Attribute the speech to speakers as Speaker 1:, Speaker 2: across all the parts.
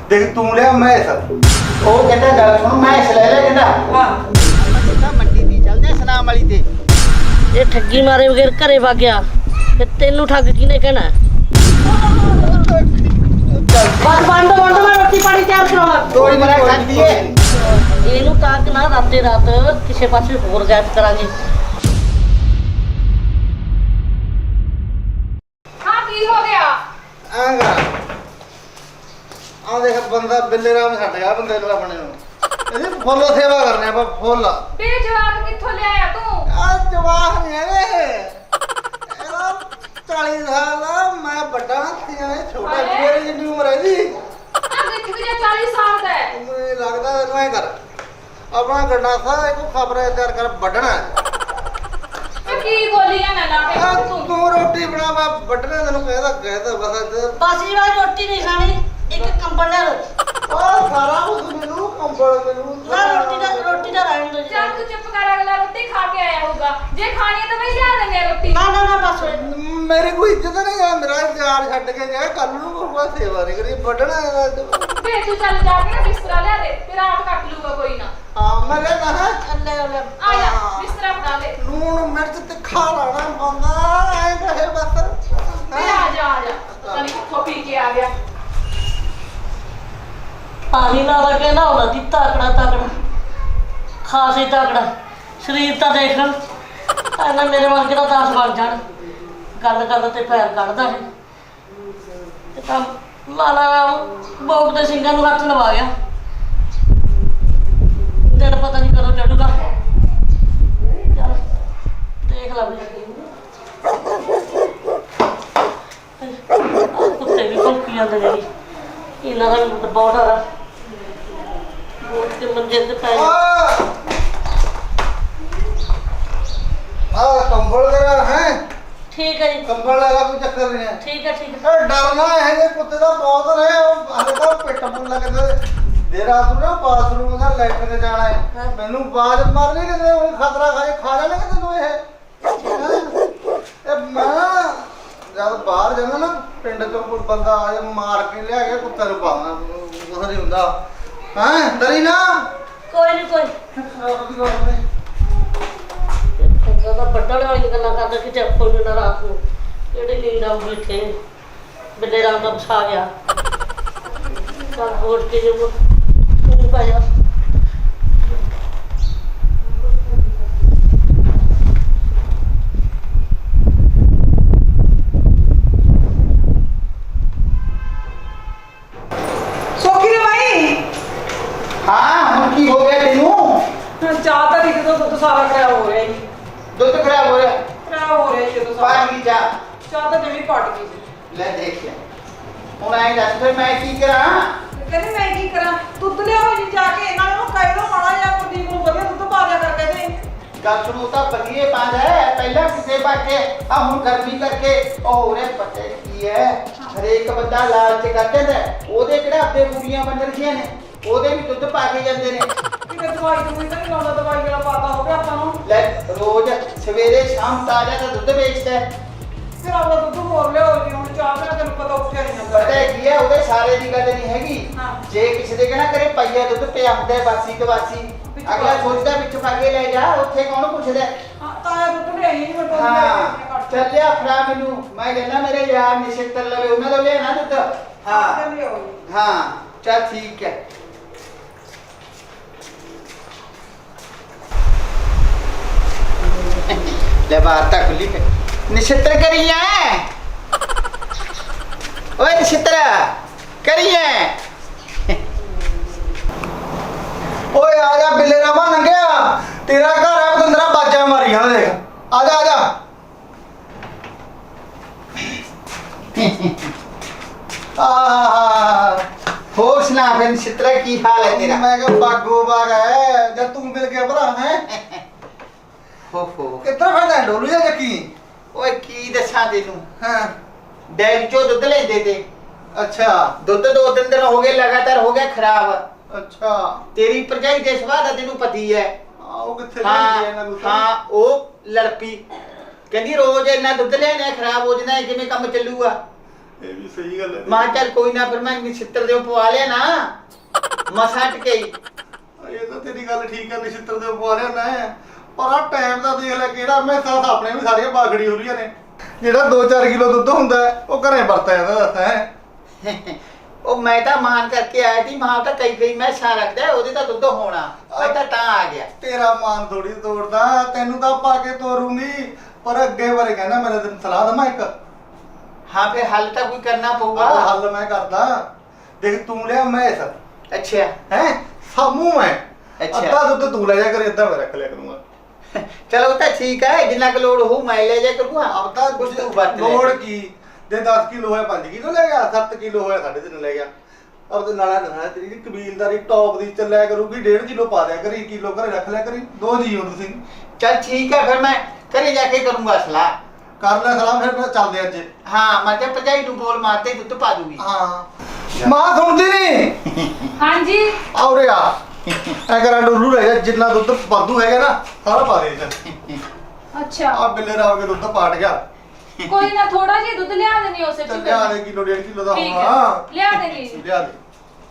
Speaker 1: देख तू लिया मैस ओ कहता गल सुन मैस ले ले कहता हां कहता मंडी दी चल जा सनाम वाली ते
Speaker 2: ये ठगी मारे बगैर घरे भाग गया ते तेनू ठग किने कहना बस बंद बंद मैं रोटी पानी तैयार करावा
Speaker 1: थोड़ी मरा खाती है
Speaker 2: ਇਹਨੂੰ ਤੱਕ ਨਾ ਰਾਤੇ ਰਾਤ ਕਿਸੇ ਪਾਸੇ ਹੋਰ ਗੈਪ ਕਰਾਂਗੇ
Speaker 3: ਹਾਂ ਕੀ ਹੋ ਗਿਆ
Speaker 1: ਆਗਾ ਆ ਦੇਖ ਬੰਦਾ ਬਿੱਲੇ ਰਾਮ ਛੱਡ ਗਿਆ ਬੰਦੇ ਨੂੰ ਆਪਣੇ ਨੂੰ ਇਹਦੀ ਫੁੱਲ ਸੇਵਾ ਕਰਨੇ ਆਪਾਂ ਫੁੱਲ
Speaker 3: ਬੇ ਜਵਾਕ ਕਿੱਥੋਂ ਲਿਆਇਆ ਤੂੰ
Speaker 1: ਆ ਜਵਾਕ ਨਹੀਂ ਹੈਗੇ ਇਹਦਾ 40 ਸਾਲ ਦਾ ਮੈਂ ਵੱਡਾ ਤੇ ਛੋਟਾ ਮੇਰੀ ਜਿੰਨੀ ਉਮਰ ਹੈ ਜੀ
Speaker 3: ਆ ਦੇਖ ਵੀ 40 ਸਾਲ ਦਾ ਹੈ
Speaker 1: ਮੈਨੂੰ ਲੱਗਦਾ ਇਹਨੂੰ ਐ ਕਰ ਆਪਣਾ ਗੰਡਾ ਸਾ ਇੱਕ ਖਬਰ ਤਿਆਰ ਕਰ ਵੱਢਣਾ
Speaker 3: ਤੇ ਕੀ ਬੋਲੀਆਂ ਨਾ ਲਾ ਕੇ
Speaker 1: ਤੂੰ ਰੋਟੀ ਬਣਾ ਮੈਂ ਵੱਢਣਾ ਤੈਨੂੰ ਕਹਿਦਾ ਬਸ
Speaker 2: ਬਾਸੀ ਵਾਲੀ ਰੋਟੀ ਨਹੀਂ ਖਾਣੀ ਇੱਕ ਕੰਬਲ ਲੈ ਲਓ
Speaker 1: ਉਹ ਸਾਰਾ ਕੁਝ ਮੈਨੂੰ ਕੰਬਲ ਮੈਨੂੰ
Speaker 2: ਨਾ ਰੋਟੀ ਦਾ ਰਹਿਣ ਦੋ ਜੀ
Speaker 3: ਚੱਲ ਤੂੰ ਚੁੱਪ ਕਰ ਅਗਲਾ ਰੋਟੀ ਖਾ ਕੇ ਆਇਆ ਹੋਊਗਾ ਜੇ ਖਾਣੀ ਹੈ ਤਾਂ ਮੈਂ ਲਿਆ ਦਿੰਦੇ ਆ ਰੋਟੀ
Speaker 2: ਨਾ ਬਸ
Speaker 1: ਮੇਰੀ ਕੋਈ ਇੱਜ਼ਤ ਨਹੀਂ ਆ ਮੇਰਾ ਯਾਰ ਛੱਡ ਕੇ ਗਿਆ ਕੱਲ ਨੂੰ ਕੋਈ ਸੇਵਾ ਨਹੀਂ ਕਰੀ ਵੱਢਣਾ
Speaker 3: ਬੇ ਤੂੰ ਚੱਲ ਜਾ ਕੇ ਨਾ ਬਿਸਤਰਾ ਲਿਆ ਦੇ ਤੇ ਰਾਤ ਕੱਟ ਲੂਗਾ ਕੋਈ ਨਾ
Speaker 1: ਹਾਂ ਮੈਂ ਲੈਣਾ ਹੈ
Speaker 2: ਅੱਲੇ
Speaker 3: ਆ ਜਾ ਬਿਸਤਰਾ ਬਣਾ ਦੇ
Speaker 1: ਲੂਣ ਮਿਰਚ ਤਿੱਖਾ ਲਾਣਾ ਬੰਦਾ ਐ ਕਹੇ ਬਸ
Speaker 3: ਬੇ ਆ ਜਾ ਪਤਾ ਨਹੀਂ ਕਿੱਥੋਂ ਪੀ ਕੇ ਆ ਗਿਆ
Speaker 2: ਪਾਣੀ ਨਾਲ ਕੇ ਨਾ ਉਹਨਾਂ ਦੀ ਤਾਕੜਾ ਖਾਸ ਹੀ ਤਾਕੜਾ ਸਰੀਰ ਤਾਂ ਦੇਖ ਇਹਨਾਂ ਮੇਰੇ ਵਰਗੇ ਦਾ 10 ਬਣ ਜਾਣ ਗੱਲ ਤੇ ਪੈਰ ਕੱਢਦਾ ਹੈ ਤੇ ਤਾਂ ਲਾਲਾ ਬੋਕ ਦੇ ਸਿੰਘਾਂ ਨੂੰ ਹੱਥ ਲਵਾ ਗਿਆ ਦਿਨ ਪਤਾ ਨਹੀਂ ਕਦੋਂ ਚੜੂਗਾ ਚੱਲ ਦੇਖ ਲਾ ਵੀ ਕੁੱਤੇ ਵੀ ਭੌਂਕੀ ਜਾਂਦੇ ਨੇ ਇਹਨਾਂ ਦਾ ਵੀ ਬਹੁਤ ਆ ਬੋਟ ਕੇ ਮੰਜੇ ਤੇ ਪੈ
Speaker 1: ਆ ਕੰਬਲ ਤੇਰਾ ਹੈ
Speaker 2: ਠੀਕ ਹੈ ਜੀ
Speaker 1: ਕੰਬਲ ਵਾਲਾ ਕੋਈ ਚੱਕਰ ਨਹੀਂ ਹੈ
Speaker 2: ਠੀਕ ਹੈ
Speaker 1: ਇਹ ਡਰਨਾ ਹੈ ਜੇ ਕੁੱਤੇ ਦਾ ਬਹੁਤ ਨੇ ਉਹ ਹਲੇ ਤਾਂ ਪਿੱਟ ਪੁੱਲਾ ਕਹਿੰਦੇ ਦੇ ਰਾਤ ਨੂੰ ਨਾ ਬਾਥਰੂਮ ਦਾ ਲੈਟਰ ਤੇ ਜਾਣਾ ਹੈ ਮੈਨੂੰ ਬਾਜ ਮਾਰਨੀ ਕਿਤੇ ਉਹ ਖਤਰਾ ਖਾ ਲੈਣਗੇ ਤੈਨੂੰ ਇਹ ਮੈਂ ਜਦ ਬਾਹਰ ਜਾਂਦਾ ਨਾ ਪਿੰਡ ਤੋਂ ਕੋਈ ਬੰਦਾ ਆ ਜਾ ਮਾਰ ਕੇ ਲਿਆ ਕੇ ਕੁੱਤੇ ਨੂੰ ਪਾਉਣਾ ਕੁਛ ਨਹੀਂ ਹੁੰਦਾ ਹਾਂ ਡਰੀ ਨਾ
Speaker 2: ਕੋਈ ਨਹੀਂ ਤਾਂ ਵੱਡਣ ਵਾਲੀ ਗੱਲਾਂ ਕਰਦਾ ਕਿ ਚੱਪਲ ਨੂੰ ਨਾ ਰਾਤ ਨੂੰ ਕਿਹੜੀ ਨੀਂਦ ਆਉਂਦੀ ਇੱਥੇ ਬਿੱਲੇ ਰਾਮ ਦਾ ਵਸਾ ਗਿਆ ਚੱਲ ਹੋਟ ਕੇ ਜੇ ਤੂੰ ਪਾ ਜਾ
Speaker 4: ਸੋਖੀ ਨੇ ਭਾਈ
Speaker 1: ਹਾਂ ਹੁਣ ਕੀ ਹੋ ਗਿਆ ਤੈਨੂੰ
Speaker 4: ਚਾਹ ਤਾਂ ਲਿਖ ਦੋ ਦੁੱਧ ਸਾਰਾ ਖਰਾਬ ਹੋ ਰਿਹਾ ਜੀ
Speaker 1: ਦੁੱਧ ਖਰਾਬ ਹੋ ਰਿਹਾ
Speaker 4: ਖਰਾਬ ਹੋ ਰਿਹਾ ਜੀ ਦੁੱਧ ਸਾਰਾ
Speaker 1: ਪਾਣੀ ਚਾਹ
Speaker 4: ਚਾਹ ਤਾਂ ਜਮੀ ਪਟ ਗਈ ਸੀ
Speaker 1: ਲੈ ਦੇਖਿਆ ਹੁਣ ਐਂ ਦੱਸ ਫਿਰ ਮੈਂ ਕੀ ਕਰਾਂ
Speaker 4: ਕਹਿੰਦੇ ਮੈਂ ਕੀ ਕਰਾਂ ਦੁੱਧ ਲਿਆਓ ਜੀ ਜਾ ਕੇ ਇਹਨਾਂ ਨੂੰ ਕਹਿ ਦੋ ਮਾੜਾ ਜਿਹਾ ਕੁਲਦੀਪ ਨੂੰ ਵਧੀਆ ਦੁੱਧ ਪਾ ਦਿਆ ਕਰ ਕਹਿੰਦੇ
Speaker 1: ਗੱਲ ਸੁਣੋ ਤਾਂ ਬਲੀਏ ਪਾਂਦਾ ਹੈ ਪਹਿਲਾਂ ਕਿਸੇ ਬਾਕੇ ਆ ਹੁਣ ਗਰਮੀ ਕਰਕੇ ਉਹ ਉਹਨੇ ਪਤਾ ਕੀ ਹੈ ਹਰੇਕ ਬੰਦਾ ਲਾਲਚ ਕਰਦੇ ਨੇ ਉਹਦੇ ਕਿਹੜਾ ਆਪੇ ਕੁੜੀਆਂ ਬਣ ਰਹੀਆਂ ਨੇ ਉਹਦੇ ਵੀ ਦੁੱਧ ਪਾ ਕੇ ਜਾਂਦੇ ਨੇ
Speaker 4: ਕਿਤੇ ਦਵਾਈ ਦਵਾਈ ਤਾਂ ਨਹੀਂ ਲਾਉਂਦਾ ਦਵਾਈ ਵਾਲਾ ਪਾਤਾ ਹੋ ਗਿਆ ਆਪਾਂ ਨੂੰ
Speaker 1: ਲੈ ਰੋਜ਼ ਸਵੇਰੇ ਸ਼ਾਮ ਤਾਜ਼ਾ ਦਾ ਦੁੱਧ ਵੇਚਦਾ ਹੈ।
Speaker 4: ਫਿਰ ਆਪਣਾ ਦੁੱਧ ਹੋਰ ਲਿਆਓ ਜੀ ਹੁਣ ਚਾਹ ਬਿਨਾਂ ਤੈਨੂੰ ਪਤਾ ਉੱਠਿਆ ਨਹੀਂ ਜਾਂਦਾ
Speaker 1: ਪਤਾ ਕੀ ਹੈ ਉਹਦੇ ਸਾਰੇ ਦੀ ਗੱਲ ਨਹੀਂ ਹੈਗੀ
Speaker 4: ਹਾਂ।
Speaker 1: ਜੇ ਕਿਸੇ ਦੇ ਕਹਿਣਾ ਕਰੇ ਪਈਆ ਦੁੱਧ ਪਿਆਉਂਦਾ ਬਾਸੀ ਕਵਾਸੀ ਅਗਲਾ ਸੋਚਦਾ ਵਿੱਚ ਪਾ ਕੇ ਲੈ ਜਾ ਉੱਥੇ ਕੌਣ ਪੁੱਛਦਾ
Speaker 4: ਹਾਂ ਤਾਇਆ ਦੁੱਧ ਲਿਆਈ ਨਹੀਂ ਮੈਂ
Speaker 1: ਹਾਂ ਚੱਲਿਆ ਫੜਾ ਮੈਨੂੰ ਮੈਂ ਕਹਿੰਦਾ ਮੇਰੇ ਯਾਰ ਨਿਸ਼ਤਰ ਲਵੇ ਉਹਨਾਂ ਦਾ ਲਿਆਣਾ ਦੁੱਧ ਹਾਂ
Speaker 4: ਲਿਆਓ
Speaker 1: ਹਾਂ ਚੱਲ ਠੀਕ ਹੈ ਲੈ ਬਾਤ ਤਾਂ ਖੁੱਲੀ ਪਈ ਨਿਸ਼ਤਰ ਕਰੀਏ ਓਏ ਨਿਸ਼ਤਰ ਕਰੀਏ ਓਏ ਆ ਜਾ ਬਿੱਲੇ ਰਾਮਾ ਲੰਘਿਆ ਤੇਰਾ ਘਰ ਹੈ ਬਤੰਦਰਾ ਬਾਜਾਂ ਮਾਰੀਆਂ ਦੇਖ ਆ ਜਾ ਹੋਰ ਸੁਣਾ ਫਿਰ ਨਿਸ਼ਤਰ ਕੀ ਹਾਲ ਹੈ ਤੇਰਾ ਮੈਂ ਕਿਹਾ ਬਾਗੋ ਬਾਗ ਹੈ ਜਦ ਤੂੰ ਮਿਲ ਗਿਆ ਭਰਾ ਹੈ ਹੋ ਕਿੱਦਾਂ ਫੜਦਾ ਡੋਲੂਆ ਜੱਕੀ ਓਏ ਕੀ ਦੱਸਾਂ ਤੈਨੂੰ ਹਾਂ ਡੈਰੀ ਚੋਂ ਦੁੱਧ ਲੈਂਦੇ ਤੇ ਅੱਛਾ ਦੁੱਧ 2-3 ਦਿਨ ਹੋ ਗਏ ਲਗਾਤਾਰ ਹੋ ਗਿਆ ਖਰਾਬ ਅੱਛਾ ਤੇਰੀ ਭਰਜਾਈ ਦੇ ਸੁਭਾਅ ਦਾ ਤੈਨੂੰ ਪਤੀ ਹੈ ਉਹ ਕਿੱਥੇ ਲੈਂਦੀ ਹੈ ਇਹਨਾਂ ਦੁੱਧ ਹਾਂ ਉਹ ਲੜਪੀ ਕਹਿੰਦੀ ਰੋਜ਼ ਇੰਨਾ ਦੁੱਧ ਲੈਣਾ ਖਰਾਬ ਹੋ ਜਾਂਦਾ ਕਿਵੇਂ ਕੰਮ ਚੱਲੂਗਾ ਇਹ ਵੀ ਸਹੀ ਗੱਲ ਹੈ।
Speaker 5: ਮਾਂ ਚੱਲ ਕੋਈ ਨਾ, ਫਿਰ ਮੈਂ ਨਛਿੱਤਰ ਦੇ ਪਵਾ ਲਿਆ ਨਾ ਮਸਾਂ ਟਕੇ।
Speaker 1: ਇਹ ਤਾਂ ਤੇਰੀ ਗੱਲ ਠੀਕ ਹੈ, ਨਛਿੱਤਰ ਦੇ ਪਵਾ ਲਿਆ ਨਾ, ਪਰ ਆ ਟਾਈਮ ਦਾ ਦੇਖ ਲੈ ਕਿਹੜਾ। ਮੈਂ ਤਾਂ ਆਪਣੇ ਵੀ ਸਾਰੀਆਂ ਬਾਗੜੀ ਹੋ ਰਹੀਆਂ ਨੇ। ਜਿਹੜਾ 2-4 ਕਿਲੋ ਦੁੱਧ ਹੁੰਦਾ ਉਹ ਘਰੇ ਵਰਤਿਆ ਜਾਂਦਾ ਦੱਸ ਹੈ।
Speaker 5: ਉਹ ਮੈਂ ਤਾਂ ਮਾਨ ਕਰਕੇ ਆਇਆ ਸੀ, ਮਾਂ ਤਾਂ ਕਈ ਮੈਸਾਂ ਰੱਖਦਾ, ਉਹਦੇ ਤਾਂ ਦੁੱਧ ਹੋਣਾ, ਮੈਂ ਤਾਂ ਆ ਗਿਆ।
Speaker 1: ਤੇਰਾ ਮਾਨ ਥੋੜੀ ਤੋੜਦਾ, ਤੈਨੂੰ ਤਾਂ ਪਾ ਕੇ ਤੋਰੂੰਗੀ, ਪਰ ਅੱਗੇ ਬਾਰੇ ਕਹਿੰਦਾ ਮੇਰੇ ਤੈਨੂੰ ਸਲਾਹ ਦਵਾਂ ਇੱਕ।
Speaker 5: ਹਾਂ ਫਿਰ ਹੱਲ ਤਾਂ ਕੋਈ ਕਰਨਾ ਪਊਗਾ।
Speaker 1: ਹੱਲ ਮੈਂ ਕਰਦਾ। ਦੇਖ ਤੂੰ ਲਿਆ ਮੈਸ,
Speaker 5: ਅੱਛਾ
Speaker 1: ਹੈ ਸਾਮੂ ਮੈਂ,
Speaker 5: ਅੱਛਾ।
Speaker 1: ਅੱਧਾ ਦੁੱਧ ਤੂੰ ਲੈ ਜਾ ਕਰ, ਅੱਧਾ ਮੈਂ ਰੱਖ ਲਿਆ ਕਰੂੰਗਾ।
Speaker 5: ਚਲੋ ਤਾਂ ਠੀਕ ਹੈ, ਜਿੰਨਾ ਕੁ ਲੋੜ ਹੋਊ ਮੈਂ ਲੈ ਜਾ ਕਰੂੰਗਾ।
Speaker 1: ਆਪ ਤਾਂ
Speaker 5: ਕੁਛ ਤੂੰ ਵਰਤ ਲੈ।
Speaker 1: ਲੋੜ ਕੀ, ਜੇ 10 ਕਿਲੋ ਹੋਇਆ 5 ਕਿਲੋ ਲੈ ਗਿਆ, 7 ਕਿਲੋ ਹੋਇਆ 3.5 ਲੈ ਗਿਆ। ਅਬ ਤੇ ਨਾਲਾ ਤੇਰੀ ਕਬੀਲਦਾਰੀ ਟੌਪ ਦੀ ਚੱਲਿਆ ਕਰੂਗੀ। 1.5 ਕਿਲੋ ਪਾ ਦਿਆ ਕਰੀ, ਕਿਲੋ ਘਰੇ ਰੱਖ ਲਿਆ ਕਰੀ, 2 ਜੀ ਹੋ ਤੁਸੀਂ।
Speaker 5: ਚੱਲ ਠੀਕ ਹੈ, ਫਿਰ ਮੈਂ ਘਰੇ ਜਾ ਕੇ ਕਰੂੰਗਾ ਸਲਾਹ।
Speaker 1: ਕਰ ਲੈ ਸਲਾਹ, ਫਿਰ ਚੱਲਦੇ ਅੱਜ।
Speaker 5: ਹਾਂ ਮੈਂ ਕਿਹਾ ਭਰਜਾਈ ਨੂੰ ਬੋਲ ਮਾਰਤੇ ਦੁੱਧ ਪਾ ਦੂਗੀ।
Speaker 1: ਹਾਂ ਮਾਂ ਸੁਣਦੀ ਨਹੀਂ।
Speaker 3: ਹਾਂਜੀ
Speaker 1: ਆਉਰੇ ਆ ਐ ਕਰਾਂ ਡੋਲੂ ਲੈ ਜਾ, ਜਿੰਨਾ ਦੁੱਧ ਵਾਧੂ ਹੈਗਾ ਨਾ ਸਾਰਾ ਪਾ ਦੇ ਇੱਥੇ।
Speaker 3: ਅੱਛਾ
Speaker 1: ਆ ਬਿੱਲੇ ਰਾਵ ਕੇ ਦੁੱਧ ਪਾਟ ਗਿਆ।
Speaker 3: ਕੋਈ ਨਾ, ਥੋੜਾ ਜਿਹਾ ਦੁੱਧ ਲਿਆ ਦੇਣੀ ਉਸੇ ਚ
Speaker 1: ਚੱਲ ਲਿਆ ਦੇ, ਕਿਲੋ 1.5 ਕਿਲੋ ਦਾ
Speaker 3: ਠੀਕ
Speaker 1: ਹੋਣਾ।
Speaker 3: ਹੈ, ਲਿਆ ਦੇਣੀ।
Speaker 1: ਲਿਆ ਦੇ।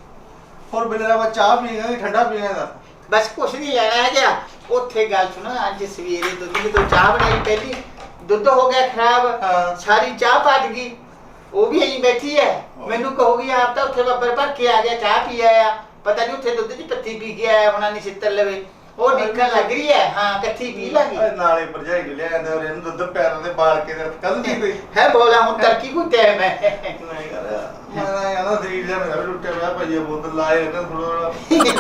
Speaker 1: ਹੋਰ ਬਿੱਲੇ ਰਾਵ ਚਾਹ ਪੀਏਗਾ ਕਿ ਠੰਡਾ ਪੀਏਗਾ?
Speaker 5: ਬਸ ਕੁਛ ਨਹੀਂ ਲੈਣਾ ਹੈ ਗਿਆ। ਉੱਥੇ ਗੱਲ ਸੁਣ, ਅੱਜ ਸਵੇਰੇ ਦੁੱਧ ਦੀ ਤੋਂ ਚਾਹ ਬਣਾਈ, ਪਹਿਲੀ ਦੁੱਧ ਹੋ ਗਿਆ ਖਰਾਬ,
Speaker 1: ਹਾਂ।
Speaker 5: ਸਾਰੀ ਚਾਹ ਪੱਜ ਗਈ। ਉਹ ਵੀ ਐਂ ਬੈਠੀ ਹੈ, ਮੈਨੂੰ ਕਹੂਗੀ ਆਪ ਤਾਂ ਉੱਥੇ ਬੱਬਰ ਭਰ ਕੇ ਆ ਗਿਆ, ਚਾਹ ਪੀ ਆਇਆ, ਪਤਾ ਨਹੀਂ ਉੱਥੇ ਦੁੱਧ ਦੀ ਪੱਤੀ ਪੀ ਕੇ ਆਇਆ ਹੋਣਾ ਨਛਿੱਤਰ ਲਵੇ। ਉਹ ਨਿਕਲ ਲੱਗ ਰਹੀ ਹੈ। ਹਾਂ ਇਕੱਠੀ ਪੀ ਲਾਂਗੇ।
Speaker 1: ਨਾਲੇ ਭਰਜਾਈ ਨੂੰ ਲਿਆ ਜਾਂਦਾ, ਇਹਨੂੰ ਦੁੱਧ ਪੈਰਾਂ ਤੇ ਬਾਲ ਕੇ ਕੱਲ ਦੀ ਕੋਈ
Speaker 5: ਹੈ ਬੋਲਾ ਹੁਣ ਤਰਕੀ ਕੋਈ ਟਾਈਮ ਹੈ।
Speaker 1: ਨਹੀਂ ਕਰ ਮੈਂ ਕਹਿੰਦਾ ਸਰੀਰ ਜਿਹਾ ਮੇਰਾ ਵੀ ਟੁੱਟਿਆ ਪਿਆ, ਭਈਆ ਬੋਤਲ ਲਾਏ ਇਹਨਾਂ ਥੋੜਾ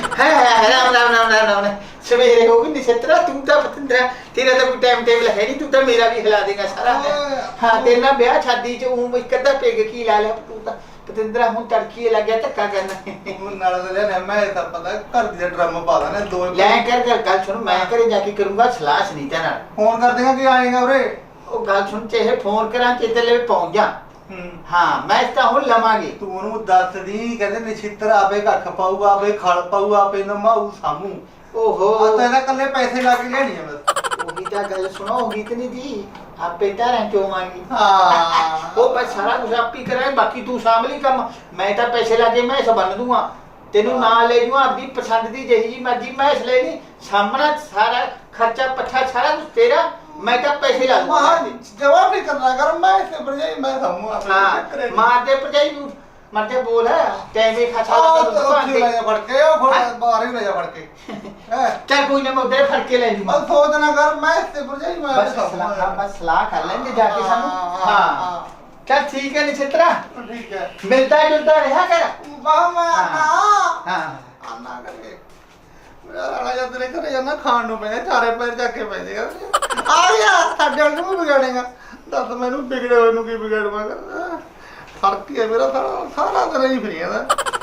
Speaker 5: ਹੈ ਰਾਮ ਸਵੇਰੇ ਹੋ ਗਈ ਨਛਿੱਤਰਾ, ਤੂੰ ਤਾਂ ਪਤੰਦਰਾ, ਤੇਰਾ ਤਾਂ ਕੋਈ ਟਾਈਮ ਟੇਬਲ ਹੈ ਨਹੀਂ, ਤੂੰ ਤਾਂ ਮੇਰਾ ਵੀ ਹਿਲਾ ਦੇਗਾ ਸਾਰਾ। ਹਾਂ ਤੇਰੇ ਨਾਲ ਵਿਆਹ ਸ਼ਾਦੀ ਚ ਉਹ ਇੱਕ ਅੱਧਾ ਪੈਗ ਕੀ ਲਾ ਲਿਆ ਤੂੰ ਤਾਂ ਪਤੰਦਰਾ। ਹੁਣ ਤੜਕੀ ਲੱਗਿਆ ਧੱਕਾ ਕਰਨਾ।
Speaker 1: ਨਾਲ ਤਾਂ ਲਿਆ ਮੈਂ ਤਾਂ ਪਤਾ ਘਰ ਦੀ ਡਰਮ ਪਾ ਦੇਣਾ 2
Speaker 5: ਲੈ ਕਰ ਗੱਲ ਸੁਣ, ਮੈਂ ਘਰੇ ਜਾ ਕੇ ਕਰੂੰਗਾ ਸਲਾਹ ਸੁਨੀਤਾ ਨਾਲ।
Speaker 1: ਫੋਨ ਕਰ ਦੇਗਾ ਕਿ ਆਏਗਾ ਉਰੇ।
Speaker 5: ਉਹ ਗੱਲ ਸੁਣ, ਚਾਹੇ ਫੋਨ ਕਰਾਂ ਚੇਤੇ ਲੈ ਪਹੁੰਚ ਜਾ। ਹਾਂ ਮੈਂ ਤਾਂ ਹੁਣ ਲਵਾਂਗੇ।
Speaker 1: ਤੂੰ ਉਹਨੂੰ ਦੱਸ ਦੀ, ਕਹਿੰਦੇ ਨਛਿੱਤਰ ਆਪੇ ਕੱਖ ਪਾਊਗਾ, ਆਪੇ ਖਲ ਪਾਊਗਾ, ਆਪੇ ਨਮਾਊ ਸਾਮੂ।
Speaker 5: ਓਹੋ
Speaker 1: ਆ ਤਾਂ ਇਹਦਾ ਕੱਲੇ ਪੈਸੇ ਲਾ ਕੇ ਲੈਣੀ ਆ ਬਸ।
Speaker 5: ਉਹੀ ਤਾਂ ਗੱਲ ਸੁਣੋ, ਉਹੀ ਤੇ ਨਹੀਂ ਦੀ ਆਪੇ ਧਾਰਾਂ ਚੋਵਾਂਗੀ।
Speaker 1: ਹਾਂ
Speaker 5: ਉਹ ਬਸ ਸਾਰਾ ਕੁਝ ਆਪੀ ਕਰਾਂ, ਬਾਕੀ ਤੂੰ ਸਾਂਭ ਲਈ ਕੰਮ। ਮੈਂ ਤਾਂ ਪੈਸੇ ਲਾ ਕੇ ਮੈਂ ਬੰਨ ਦੂੰਗਾ, ਤੈਨੂੰ ਨਾਲ ਲੈ ਜੂਆਂ, ਆਪਣੀ ਪਸੰਦ ਦੀ ਜਿਹੀ ਜੀ ਮਰਜ਼ੀ ਮੈਂ ਲੈ ਲਈ। ਸਾਹਮਣਾ ਸਾਰਾ ਖਰਚਾ ਪੱਠਾ ਸਾਰਾ ਕੁਝ ਤੇਰਾ, ਮੈਂ ਤਾਂ ਪੈਸੇ ਲਾ ਦੂੰਗਾ।
Speaker 1: ਜਵਾਬ ਨਹੀਂ ਕਰਨਾ ਕਰ, ਮੈਂ ਇਸੇ ਭਰਜਾਈ ਮੈਂ ਸਾਮੂ ਆਪਣੇ
Speaker 5: ਹਾਂ ਮਾਰ ਦੇ ਭਰਜਾਈ ਨੂੰ, ਮਰਦੇ ਬੋਲ ਹੈ ਟੈਵੇਂ ਖਾਛਾ
Speaker 1: ਆ
Speaker 5: ਦਾ
Speaker 1: ਉੱਥੇ ਲੈ ਜਾ ਫੜ ਕੇ, ਉਹ ਫੜ ਬਾਹਰ ਹੀ ਲੈ ਜਾ ਫੜ ਕੇ।
Speaker 5: ਚੱਲ ਕੋਈ ਨਾ, ਮੈਂ ਉਧਰ ਫੜ ਕੇ ਲੈ ਜੂੰਗਾ।
Speaker 1: ਬਸ ਸੋਚ ਨਾ ਕਰ, ਮੈਂ ਇਸੇ ਭਰਜਾਈ ਮੈਂ
Speaker 5: ਬਸ ਸਲਾਹ ਕਰ ਲੈਂਦੇ ਜਾ ਕੇ ਸਾਨੂੰ। ਹਾਂ ਚੱਲ ਠੀਕ ਹੈ ਨਛਿੱਤਰਾ,
Speaker 1: ਠੀਕ ਹੈ।
Speaker 5: ਮਿਲਦਾ ਜੁਲਦਾ ਰਿਹਾ ਕਰ।
Speaker 1: ਵਾਹ ਮੈਂ
Speaker 5: ਹਾਂ
Speaker 1: ਆਨਾ ਕਰਕੇ ਮੇਰਾ ਰਾਣਾ ਜਦ ਤੇਰੇ ਘਰੇ ਜਾਣਾ ਖਾਣ ਨੂੰ ਪੈਂਦਾ, ਚਾਰੇ ਪੈਰ ਚੱਕ ਕੇ ਪੈਂਦੇ ਆ ਗਿਆ ਸਾਡੇ ਵਾਲ ਨੂੰ ਵਿਗਾੜੇਗਾ। ਦੱਸ ਮੈਨੂੰ ਵਿਗੜੇ ਹੋਏ ਨੂੰ ਕੀ ਵਿਗਾੜਵਾਂਗਾ? ਫਰਕ ਹੀ ਹੈ ਮੇਰਾ ਸਾਰਾ ਦਿਨ ਹੀ ਫਰੀ ਜਾਂਦਾ,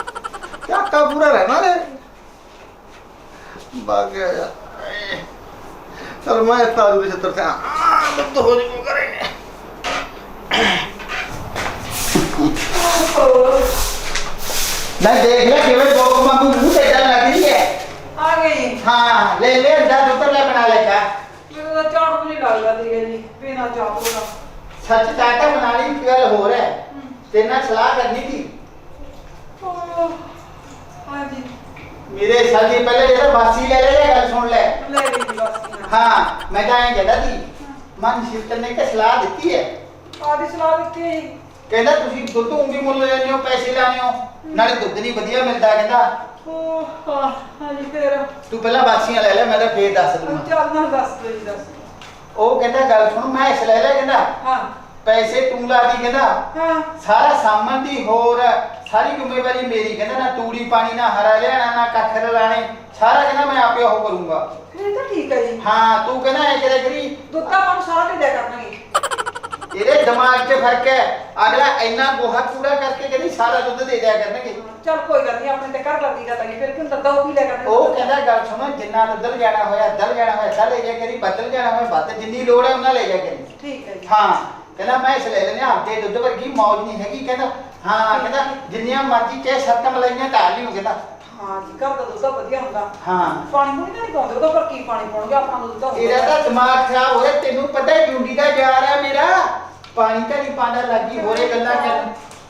Speaker 1: ਝਾਕਾ ਪੂਰਾ ਰਹਿਣਾ ਨੇ ਬਾਗ ਗਿਆ ਯਾਰ। ਚਲ ਮੈਂ ਸਾਜੂ ਦੇ ਛੱਤਰ ਤੇ ਲੱਤ ਹੋ ਜੀ ਕੋ ਕਰੇ।
Speaker 5: ਮੈਂ ਦੇਖ ਲਿਆ ਕਿਵੇਂ ਬੋਕ ਵਾਂਗੂ ਮੂੰਹ ਤੇ ਏਦਾਂ ਲੱਗ ਰਹੀ ਹੈ।
Speaker 4: ਆ ਗਈ।
Speaker 5: ਹਾਂ ਲੈ ਲੈ ਅੰਦਰ ਉੱਤਰ ਲੈ ਬਣਾ ਲੈ ਚਾਹ।
Speaker 4: ਮੈਨੂੰ ਤਾਂ ਚਾਹ ਨਹੀਂ ਲੱਗਦਾ ਸੀਗਾ ਜੀ, ਬਿਨਾਂ ਚਾਹ ਤੋਂ।
Speaker 5: ਸੱਚ ਚਾਹ ਤਾਂ ਬਣਾ ਲਈ, ਇੱਕ ਗੱਲ ਹੋਰ ਹੈ, ਤੇਰੇ ਨਾਲ ਸਲਾਹ ਕਰਨੀ ਸੀ।
Speaker 4: ਹਾਂਜੀ
Speaker 5: ਮੇਰੇ ਸਾਲ ਦੀ ਪਹਿਲੇ ਜਿਹੜਾ ਬਾਸੀ ਲੈ ਲੈ ਗੱਲ ਸੁਣ ਲੈ।
Speaker 4: ਲੈ ਲਈ ਜੀ ਬਸ।
Speaker 5: ਹਾਂ ਮੈਂ ਤਾਂ ਐਂ ਕਹਿੰਦਾ ਸੀ, ਮਨ ਸ਼ਿਫਟ ਨੇ ਕਿ ਸਲਾਹ ਦਿੱਤੀ ਹੈ।
Speaker 4: ਆਦੀ ਸਲਾਹ ਦਿੱਤੀ ਹੈ ਜੀ।
Speaker 5: ਕਹਿੰਦਾ ਤੁਸੀਂ ਦੁੱਧ ਉਂਗੀ ਮੁੱਲ ਲੈਣੇ ਹੋ, ਪੈਸੇ ਲਾਣੇ ਹੋ, ਨਾਲੇ ਦੁੱਧ ਨਹੀਂ ਵਧੀਆ ਮਿਲਦਾ। ਕਹਿੰਦਾ
Speaker 4: ਹਾਂਜੀ ਫੇਰ
Speaker 5: ਤੂੰ ਪਹਿਲਾਂ ਬਾਸੀਆਂ ਲੈ ਲੈ, ਮੈਂ ਤਾਂ ਫੇਰ ਦੱਸ ਦੂੰਗਾ।
Speaker 4: ਚੱਲ ਨਾ ਦੱਸ ਦੋ ਜੀ, ਦੱਸ।
Speaker 5: ਉਹ ਕਹਿੰਦਾ ਗੱਲ ਸੁਣ, ਮੈਂ ਇਸ ਲੈ ਲੈ, ਕਹਿੰਦਾ
Speaker 4: ਹਾਂ
Speaker 5: ਪੈਸੇ ਤੂੰ ਲਾ ਦੀ, ਕਹਿੰਦਾ
Speaker 4: ਹਾਂ
Speaker 5: ਸਾਰਾ ਸਾਮਾਨ ਦੀ ਹੋਰ ਸਾਰੀ ਜ਼ਿੰਮੇਵਾਰੀ ਮੇਰੀ। ਕਹਿੰਦਾ ਨਾ ਤੂੜੀ ਪਾਣੀ, ਨਾ ਹਰਾ ਲਿਆਣਾ, ਨਾ ਕੱਖ ਲਾਣੇ, ਸਾਰਾ ਕਹਿੰਦਾ ਮੈਂ ਆਪੇ ਉਹ ਕਰੂੰਗਾ।
Speaker 4: ਫਿਰ ਤਾਂ ਠੀਕ ਹੈ ਜੀ।
Speaker 5: ਹਾਂ ਤੂੰ ਕਹਿੰਦਾ ਐ ਕਰਿਆ ਕਰੀ,
Speaker 4: ਦੁੱਧ ਤਾਂ ਆਪਾਂ ਨੂੰ ਸਾਰਾ ਦੇ ਦਿਆ ਕਰਨਗੇ।
Speaker 5: ਇਹਦੇ ਦਿਮਾਗ 'ਚ ਫਰਕ ਹੈ। ਅਗਲਾ ਇੰਨਾ ਗੋਹਾ ਕੂੜਾ ਕਰਕੇ ਕਹਿੰਦੀ ਸਾਰਾ ਦੁੱਧ ਦੇ ਦਿਆ ਕਰਨਗੇ।
Speaker 4: ਚੱਲ ਕੋਈ ਗੱਲ ਨਹੀਂ, ਆਪਣੇ ਤੇ ਘਰ ਲੱਗੀ ਗੱਲ ਹੈ, ਫਿਰ ਕਿਉਂ ਦੱਦਾ ਉਹ ਵੀ ਲੈ ਕਰਨੇ।
Speaker 5: ਉਹ ਕਹਿੰਦਾ ਗੱਲ ਸੁਣੋ, ਜਿੰਨਾ ਦੁੱਧ ਜਾਣਾ ਹੋਇਆ ਅੱਧਾ ਜਾਣਾ ਹੋਇਆ ਅੱਧਾ ਲੈ ਜਾ ਕਰੀ, ਬਦਲ ਜਾਣਾ ਹੋਇਆ ਵੱਧ, ਜਿੰਨੀ ਲੋੜ ਹੈ ਉਹਨਾਂ ਲੈ ਜਾ ਕਰੀ।
Speaker 4: ਠੀਕ ਹੈ ਜੀ।
Speaker 5: ਹਾਂ ਕਹਿੰਦਾ ਮੈਂ ਇਸ ਲੈ ਲੈਣੇ, ਆਪਦੇ ਦੁੱਧ ਵਰਗੀ ਮੌਜ ਨਹੀਂ ਹੈਗੀ। ਕਹਿੰਦਾ ਹਾਂ ਕਹਿੰਦਾ ਜਿੰਨੀਆਂ ਮਰਜ਼ੀ ਚਾਹੇ 7 ਮਲਾਈਆਂ ਢਾਲ ਲਿਓ। ਕਹਿੰਦਾ
Speaker 4: ਹਾਂ ਜੀ, ਘਰ ਦਾ ਦੁੱਧ ਤਾਂ ਵਧੀਆ ਹੁੰਦਾ।
Speaker 5: ਹਾਂ
Speaker 4: ਪਾਣੀ ਪੂਣੀ ਤਾਂ ਨਹੀਂ ਪਾਉਂਦੇ ਉਹਦਾ, ਪਰ ਕੀ ਪਾਣੀ ਪਾਉਣਗੇ, ਆਪਣਾ ਦੁੱਧ ਤਾਂ
Speaker 5: ਇਹਦਾ ਤਾਂ ਦਿਮਾਗ ਖਰਾਬ ਹੋ ਰਿਹਾ। ਤੈਨੂੰ ਪਤਾ ਹੈ ਜੁੰਡੀ ਦਾ ਯਾਰ ਹੈ ਮੇਰਾ, ਪਾਣੀ ਤਾਂ ਨਹੀਂ ਪਾਣਾ ਲੱਗੀ ਹੋਰੇ ਗੱਲਾਂ ਕਰ।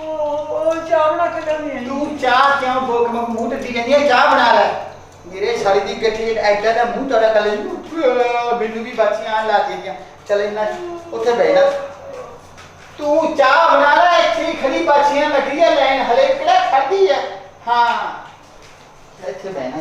Speaker 4: ਉਹ ਚਾਹ ਬਣਾ ਕੇ ਲਿਆਉਣੀ ਹੈ।
Speaker 5: ਤੂੰ ਚਾਹ ਕਿਉਂ ਭੋਗ ਮੂੰਹ ਤੇ ਦੀ ਜਾਂਦੀ ਹੈ? ਚਾਹ ਬਣਾ ਲੈ। ਮੇਰੇ ਸਾਲੀ ਦੀ ਗੱਠੀ ਐਡਾ ਦਾ ਮੂੰਹ ਤੜਾ ਕਰ ਲੈ ਮੈਨੂੰ ਵੀ ਬਾਚੀਆਂ ਲਾ ਕੇ ਗਿਆ। ਚੱਲ ਇੰਨਾ ਉੱਥੇ ਬਹਿ ਜਾ। ਤੂੰ ਚਾਹ ਬਣਾ ਲੈ। ਇੱਥੇ ਖੜੀ ਬਾਚੀਆਂ ਲੱਗੀ ਹੈ ਲਾਈਨ ਹਲੇ ਕਿਹੜਾ ਖੜਦੀ ਹੈ। ਹਾਂ ਇੱਥੇ ਬਹਿਣਾ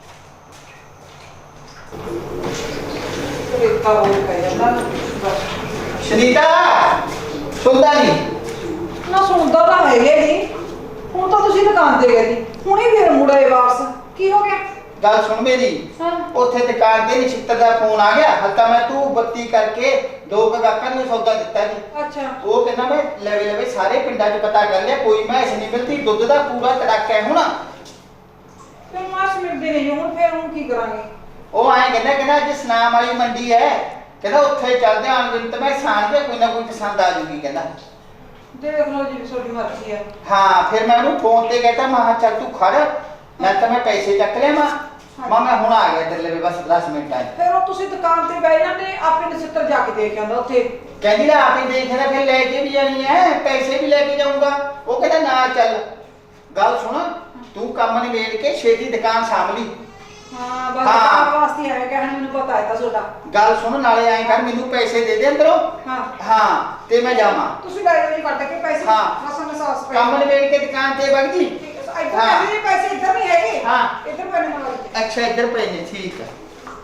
Speaker 4: ਰੇਤਾ ਹੋ ਗਿਆ ਜਾਂਦਾ
Speaker 5: ਸ਼ਨੀਤਾ ਸੁਣਦਾ ਨਹੀਂ।
Speaker 4: ਨਾ ਸੁਣਦਾ ਤਾਂ ਹੈਗੇ ਨਹੀਂ। ਹੁਣ ਤਾਂ ਤੁਸੀਂ ਦੁਕਾਨ ਤੇ ਗਏ ਸੀ, ਹੁਣੇ ਫੇਰ ਮੁੜੇ ਵਾਪਸ। ਕੀ ਹੋ ਗਿਆ?
Speaker 5: ਗੱਲ ਸੁਣ ਮੇਰੀ।
Speaker 4: ਹਾਂ।
Speaker 5: ਉੱਥੇ ਦੁਕਾਨ ਤੇ ਨਛਿੱਤਰ ਦਾ ਫੋਨ ਆ ਗਿਆ। ਹਲਕਾ ਮੈਂ ਤੂੰ ਬੱਤੀ ਕਰਕੇ 2 ਗਾਹਕਾਂ ਨੂੰ ਸੌਦਾ ਦਿੱਤਾ ਜੀ।
Speaker 4: ਅੱਛਾ।
Speaker 5: ਉਹ ਕਹਿੰਦਾ ਮੈਂ ਲਵੇ ਲਵੇ ਸਾਰੇ ਪਿੰਡਾਂ 'ਚ ਪਤਾ ਕਰ ਲਿਆ, ਕੋਈ ਮੈਸ ਨਹੀਂ ਮਿਲਦੀ, ਦੁੱਧ ਦਾ ਪੂਰਾ ਤੜਾਕਾ ਹੈ ਹੁਣ।
Speaker 4: ਫਿਰ ਮਾਸ ਮਿਲਦੇ ਨਹੀਂ ਹੁਣ, ਫਿਰ ਹੁਣ ਕੀ ਕਰਾਂਗੇ?
Speaker 5: ਉਹ ਆਏ ਕਹਿੰਦਾ ਅੱਜ ਸਨਾਮ ਵਾਲੀ ਮੰਡੀ ਹੈ, ਕਹਿੰਦਾ ਉੱਥੇ ਚੱਲਦੇ ਆਂ ਅਨਵਿੰਤ ਮੈਂ ਸਾਂਝ ਦੇ ਕੋਈ ਨਾ ਕੋਈ ਪਸੰਦ ਆ ਜੂਗੀ ਕਹਿੰਦਾ।
Speaker 4: ਦੇਖ ਲਓ ਜੀ, ਤੁਹਾਡੀ ਮਰਜ਼ੀ ਹੈ।
Speaker 5: ਹਾਂ ਫਿਰ ਮੈਂ ਉਹਨੂੰ ਫੋਨ ਤੇ ਕਹਿੰਦਾ ਮੈਂ ਚੱਲ ਤੂੰ ਖੜ, ਮੈਂ ਤਾਂ ਮੈਂ ਪੈਸੇ ਚੱਕ ਲਿਆ ਮੈਂ ਹੁਣ ਆ ਗਿਆ ਇੱਧਰ ਲਵੇ ਬਸ 10 ਮਿੰਟਾਂ 'ਚ।
Speaker 4: ਫਿਰ ਉਹ ਤੁਸੀਂ ਦੁਕਾਨ ਤੇ ਬਹਿ ਜਾਂਦੇ, ਆਪਣੇ ਨਛਿੱਤਰ ਜਾ ਕੇ ਦੇਖ ਆਉਂਦਾ ਉੱਥੇ।
Speaker 5: ਕਹਿੰਦੀ ਲੈ ਆਪੇ ਦੇਖਣਾ, ਫਿਰ ਲੈ ਕੇ ਵੀ ਜਾਣੀ ਹੈ, ਪੈਸੇ ਵੀ ਲੈ ਕੇ ਜਾਊਂਗਾ। ਉਹ ਕਹਿੰਦਾ ਨਾ ਚੱਲ। ਗੱਲ ਸੁਣ, ਤੂੰ ਕੰਮ ਨਿਬੇੜ ਕੇ ਛੇਤੀ ਦੁਕਾਨ ਸਾਂਭ ਲਈ।
Speaker 4: ਹਾਂ ਬਸ ਦੁਕਾਨ ਵਾਸਤੇ ਆਇਆ ਕਹਿਣ, ਮੈਨੂੰ ਪਤਾ ਹੈ ਤਾਂ ਤੁਹਾਡਾ।
Speaker 5: ਗੱਲ ਸੁਣ ਨਾਲੇ ਐਂ ਕਰ, ਮੈਨੂੰ ਪੈਸੇ ਦੇ ਦੇ ਅੰਦਰੋਂ। ਹਾਂ ਤੇ ਮੈਂ ਜਾਵਾਂ।
Speaker 4: ਤੁਸੀਂ ਲੈ ਜਾਓ ਜੀ ਕੱਢ ਕੇ ਪੈਸੇ।
Speaker 5: ਹਾਂ।
Speaker 4: ਮਸਾਂ ਮਸਾਸ ਪਏ।
Speaker 5: ਕੰਮ ਨਿਬੇੜ ਕੇ ਦੁਕਾਨ ਤੇ ਵਗ ਜੀ।
Speaker 4: ਇੱਧਰ ਪੈਸੇ ਇੱਧਰ ਨਹੀਂ ਹੈਗੇ।
Speaker 5: ਹਾਂ।
Speaker 4: ਇੱਧਰ ਪੈਣੇ ਮਾਰ।
Speaker 5: ਅੱਛਾ ਇੱਧਰ ਪਏ ਨੇ, ਠੀਕ ਹੈ।